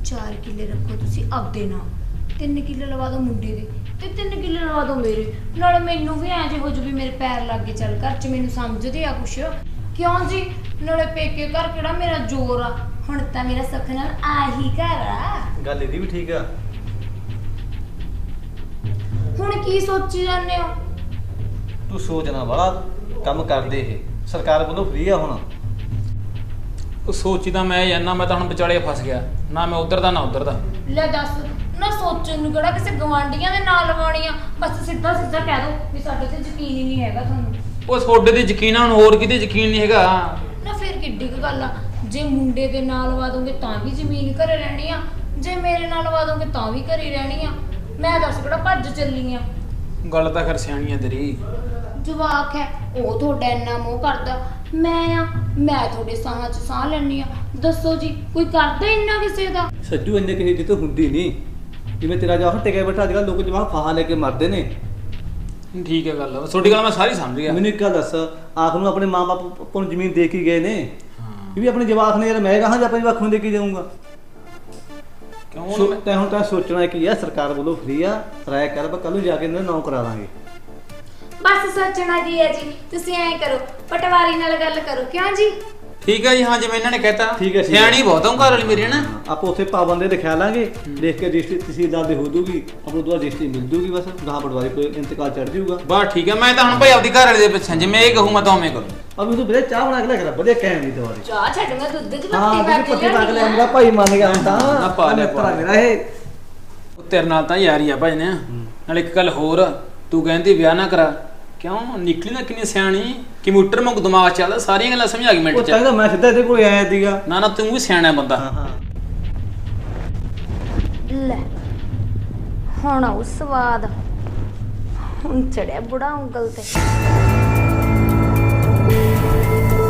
Speaker 5: ਚਾਰ ਕਿੱਲੇ ਰੱਖੋ ਤੁਸੀਂ ਆਪਦੇ ਨਾਲ, ਤਿੰਨ ਕਿੱਲੇ ਲਵਾ ਦਿਓ ਮੁੰਡੇ ਦੇ ਤੇ ਤਿੰਨ ਕਿੱਲੇ ਲਵਾ ਦਿਓ ਮੇਰੇ। ਨਾਲੇ ਮੈਨੂੰ ਵੀ ਐਂ ਜੇ ਹੋ ਜੂ ਵੀ ਮੇਰੇ ਪੈਰ ਲੱਗ ਗਏ ਚੱਲ ਘਰ 'ਚ, ਮੈਨੂੰ ਸਮਝਦੇ ਆ ਕੁਛ। ਕਿਉਂ ਜੀ? ਨਾਲੇ ਪੇਕੇ ਘਰ ਕਿਹੜਾ ਮੇਰਾ ਜ਼ੋਰ ਆ, ਹੁਣ ਤਾਂ ਮੇਰਾ ਸੁੱਖ ਨਾਲ ਆਹੀ ਘਰ ਆ।
Speaker 7: ਗੱਲ ਇਹਦੀ ਵੀ ਠੀਕ ਆ।
Speaker 5: ਹੁਣ ਕੀ ਸੋਚੀ ਜਾਂਦੇ ਹੋ?
Speaker 7: ਤੂੰ ਸੋਚਣਾ ਵਾਲਾ ਕੰਮ ਕਰਦੇ ਇਹ ਸਰਕਾਰ ਵੱਲੋਂ ਫ੍ਰੀ ਆ ਹੁਣ।
Speaker 3: ਉਹ ਸੋਚੀ ਤਾਂ ਮੈਂ ਜਾਨਾ, ਮੈਂ ਤਾਂ ਹੁਣ ਵਿਚਾਲੇ ਫਸ ਗਿਆ, ਨਾ ਮੈਂ ਉਧਰ ਦਾ ਨਾ ਉਧਰ ਦਾ।
Speaker 5: ਲੈ ਦੱਸ ਨਾ, ਸੋਚਣ ਨੂੰ ਕਿਹੜਾ ਕਿਸੇ ਗਵਾਂਢੀਆਂ ਦੇ ਨਾਲ ਲਵਾਉਣੀ ਆ, ਬਸ ਸਿੱਧਾ ਸਿੱਧਾ ਕਹਿ ਦੋ ਵੀ ਸਾਡੇ ਤੇ ਯਕੀਨ ਹੀ ਨਹੀਂ ਹੈਗਾ ਤੁਹਾਨੂੰ।
Speaker 3: ਉਹ ਤੁਹਾਡੇ ਤੇ ਯਕੀਨ ਆ, ਹੁਣ ਹੋਰ ਕਿਤੇ ਯਕੀਨ ਨਹੀਂ ਹੈਗਾ।
Speaker 5: ਨਾ ਫਿਰ ਕਿੱਡੀ ਕੁ ਗੱਲ ਆ, ਜੇ ਮੁੰਡੇ ਦੇ ਨਾਲ ਲਵਾ ਦੋਗੇ ਤਾਂ ਵੀ ਜ਼ਮੀਨ ਘਰੇ ਰਹਿਣੀ ਆ, ਜੇ ਮੇਰੇ ਨਾਲ ਲਵਾ ਦੋਗੇ ਤਾਂ ਵੀ ਘਰੇ ਰਹਿਣੀ ਆ। ਮੈਂ ਦੱਸ ਕਿਹੜਾ ਭੱਜ ਚੱਲੀ ਆ।
Speaker 3: ਗੱਲ ਤਾਂ ਖਰ ਸਿਆਣੀ ਆ ਤੇਰੀ।
Speaker 5: ਜਵਾਕ ਹੈ ਉਹ ਤੁਹਾਡਾ ਇੰਨਾ ਮੋਹ ਕਰਦਾ, ਮੈਂ ਆ ਮੈਂ ਤੁਹਾਡੇ ਸਾਹਾਂ 'ਚ ਸਾਹ ਲੈਣੀ ਆ। ਦੱਸੋ ਜੀ, ਕੋਈ ਕਰਦਾ ਇੰਨਾ ਕਿਸੇ ਦਾ?
Speaker 7: ਸੱਜੂ ਇੰਨੇ ਕਿਸੇ ਦੀ ਤਾਂ ਹੁੰਦੀ ਨਹੀਂ, ਜਿਵੇਂ ਤੇਰਾ ਜਵਾਕ ਟਿਕਿਆ ਬੈਠਾ। ਅੱਜ ਕੱਲ੍ਹ ਲੋਕ ਜਵਾਕ ਫਾਹਾ ਲੈ ਕੇ ਮਰਦੇ ਨੇ।
Speaker 3: ਠੀਕ ਹੈ ਗੱਲ, ਤੁਹਾਡੀ ਗੱਲ ਮੈਂ ਸਾਰੀ ਸਮਝ ਗਿਆ।
Speaker 7: ਮੈਨੂੰ ਇੱਕ ਗੱਲ ਦੱਸ, ਆਖ ਨੂੰ ਆਪਣੇ ਮਾਂ-ਬਾਪ ਨੂੰ ਜ਼ਮੀਨ ਦੇ ਕੇ ਗਏ ਨੇ, ਇਹ ਵੀ ਆਪਣੇ ਜਵਾਕ ਨੇ। ਯਾਰ ਮੈਂ ਕਹਾਂ ਜੇ ਆਪਣੇ ਜਵਾਕ ਨੂੰ ਦੇ ਕੇ ਜਾਊਂਗਾ
Speaker 3: ਕਿਉਂ?
Speaker 7: ਸੋ ਤੈਂ ਹੁਣ ਤਾਂ ਸੋਚਣਾ ਕੀ ਆ, ਸਰਕਾਰ ਵੱਲੋਂ ਫ੍ਰੀ ਆ, ਰਾਇ ਕਰ ਬਾ ਕੱਲ ਨੂੰ ਜਾ ਕੇ ਇਹਨਾਂ ਨੌ ਕਰਾ ਦਾਂਗੇ।
Speaker 5: ਬਸ ਸੋਚਣਾ ਕੀ ਹੈ ਜੀ, ਤੁਸੀਂ ਐਂ ਕਰੋ ਪਟਵਾਰੀ ਨਾਲ ਗੱਲ ਕਰੋ। ਕਿਉਂ ਜੀ?
Speaker 3: ਠੀਕ ਹੈ ਜੀ, ਹਾਂ ਜਿਵੇਂ ਇਹਨਾਂ ਨੇ ਕਹਿਤਾ।
Speaker 7: ਠੀਕ ਹੈ, ਠੀਕ ਹੈ।
Speaker 3: ਸਿਆਣੀ ਬਹੁਤ ਹਾਂ ਘਰ ਵਾਲੀ ਮੇਰੀ, ਹੈ ਨਾ।
Speaker 7: ਆਪਾਂ ਉੱਥੇ ਪਾਬੰਦੇ ਦਿਖਾ ਲਾਂਗੇ, ਦੇਖ ਕੇ ਰਜਿਸਟਰੀ ਤਹਿਸੀਲਦਾਰ ਦੇ ਹੋ ਜੂਗੀ, ਆਪਾਂ ਨੂੰ ਦੁਆ ਰਜਿਸਟਰੀ ਮਿਲ ਜੂਗੀ, ਬਸ ਗਾਹ ਪਟਵਾਰੀ ਕੋਈ ਇੰਤਕਾਲ ਚੜ ਜਾਊਗਾ।
Speaker 3: ਬਸ ਠੀਕ ਹੈ, ਮੈਂ ਤਾਂ ਹੁਣ ਭਾਈ ਆਪਦੀ ਘਰ ਵਾਲੇ ਦੇ ਪਿੱਛੇ ਜਿਵੇਂ ਇਹ ਕਹੂੰ ਮੈਂ ਤਾਂ ਉਵੇਂ ਕਰੂੰ।
Speaker 7: ਅਬ ਤੂੰ ਵੀਰੇ ਚਾਹ ਬਣਾ ਕੇ ਲੈ ਕੇ ਵਧੀਆ ਕਹਿਣ ਦੀ ਦਵਾਰੀ।
Speaker 5: ਚਾਹ ਛੱਡੂਗਾ, ਦੁੱਧ 'ਚ
Speaker 7: ਹਾਂ
Speaker 5: ਪੱਤੀ ਪਾ
Speaker 7: ਤੁਸੀਂ
Speaker 5: ਕੇ
Speaker 7: ਪੱਤੀ ਪਾ ਕੇ ਲੈ
Speaker 5: ਲਿਆਉਣੀ
Speaker 7: ਆਉਂਦਾ, ਭਾਈ ਮੰਨ ਗਿਆ ਹੁਣ ਤਾਂ।
Speaker 3: ਨਾ ਪਾ ਲਿਆ, ਪਾ ਲਿਆ।
Speaker 7: ਮੇਰਾ ਇਹ
Speaker 3: ਉਹ ਤੇਰੇ ਨਾਲ ਤਾਂ ਯਾਰੀ ਆ ਭਾਈ ਨੇ। ਨਾਲ ਇੱਕ ਗੱਲ ਹੋਰ, ਤੂੰ ਕਹਿੰਦੀ ਵਿਆਹ ਨਾ ਕਰਾ, ਕਿਉਂ? ਨਿਕਲੀ ਨਾ ਕਿੰਨੀ ਸਿਆਣੀ, ਕੰਪਿਊਟਰ ਵਾਂਗ ਦਿਮਾਗ ਚੱਲਦਾ, ਸਾਰੀਆਂ ਗੱਲਾਂ ਸਮਝ ਆ ਗਈ ਮਿੰਟ
Speaker 7: ਉਹ
Speaker 3: ਚ।
Speaker 7: ਤਾਂ ਮੈਂ ਸਿੱਧਾ ਇਹਦੇ ਕੋਲ ਆਇਆ ਸੀਗਾ।
Speaker 3: ਨਾ ਨਾ ਤੂੰ ਵੀ ਸਿਆਣਾ ਬੰਦਾ।
Speaker 7: ਹਾਂ ਹਾਂ
Speaker 5: ਲੈ ਹੁਣ ਆਉ ਸਵਾਦ, ਹੁਣ ਚੜਿਆ ਬੁੜਾ ਉਂਗਲ ਤੇ।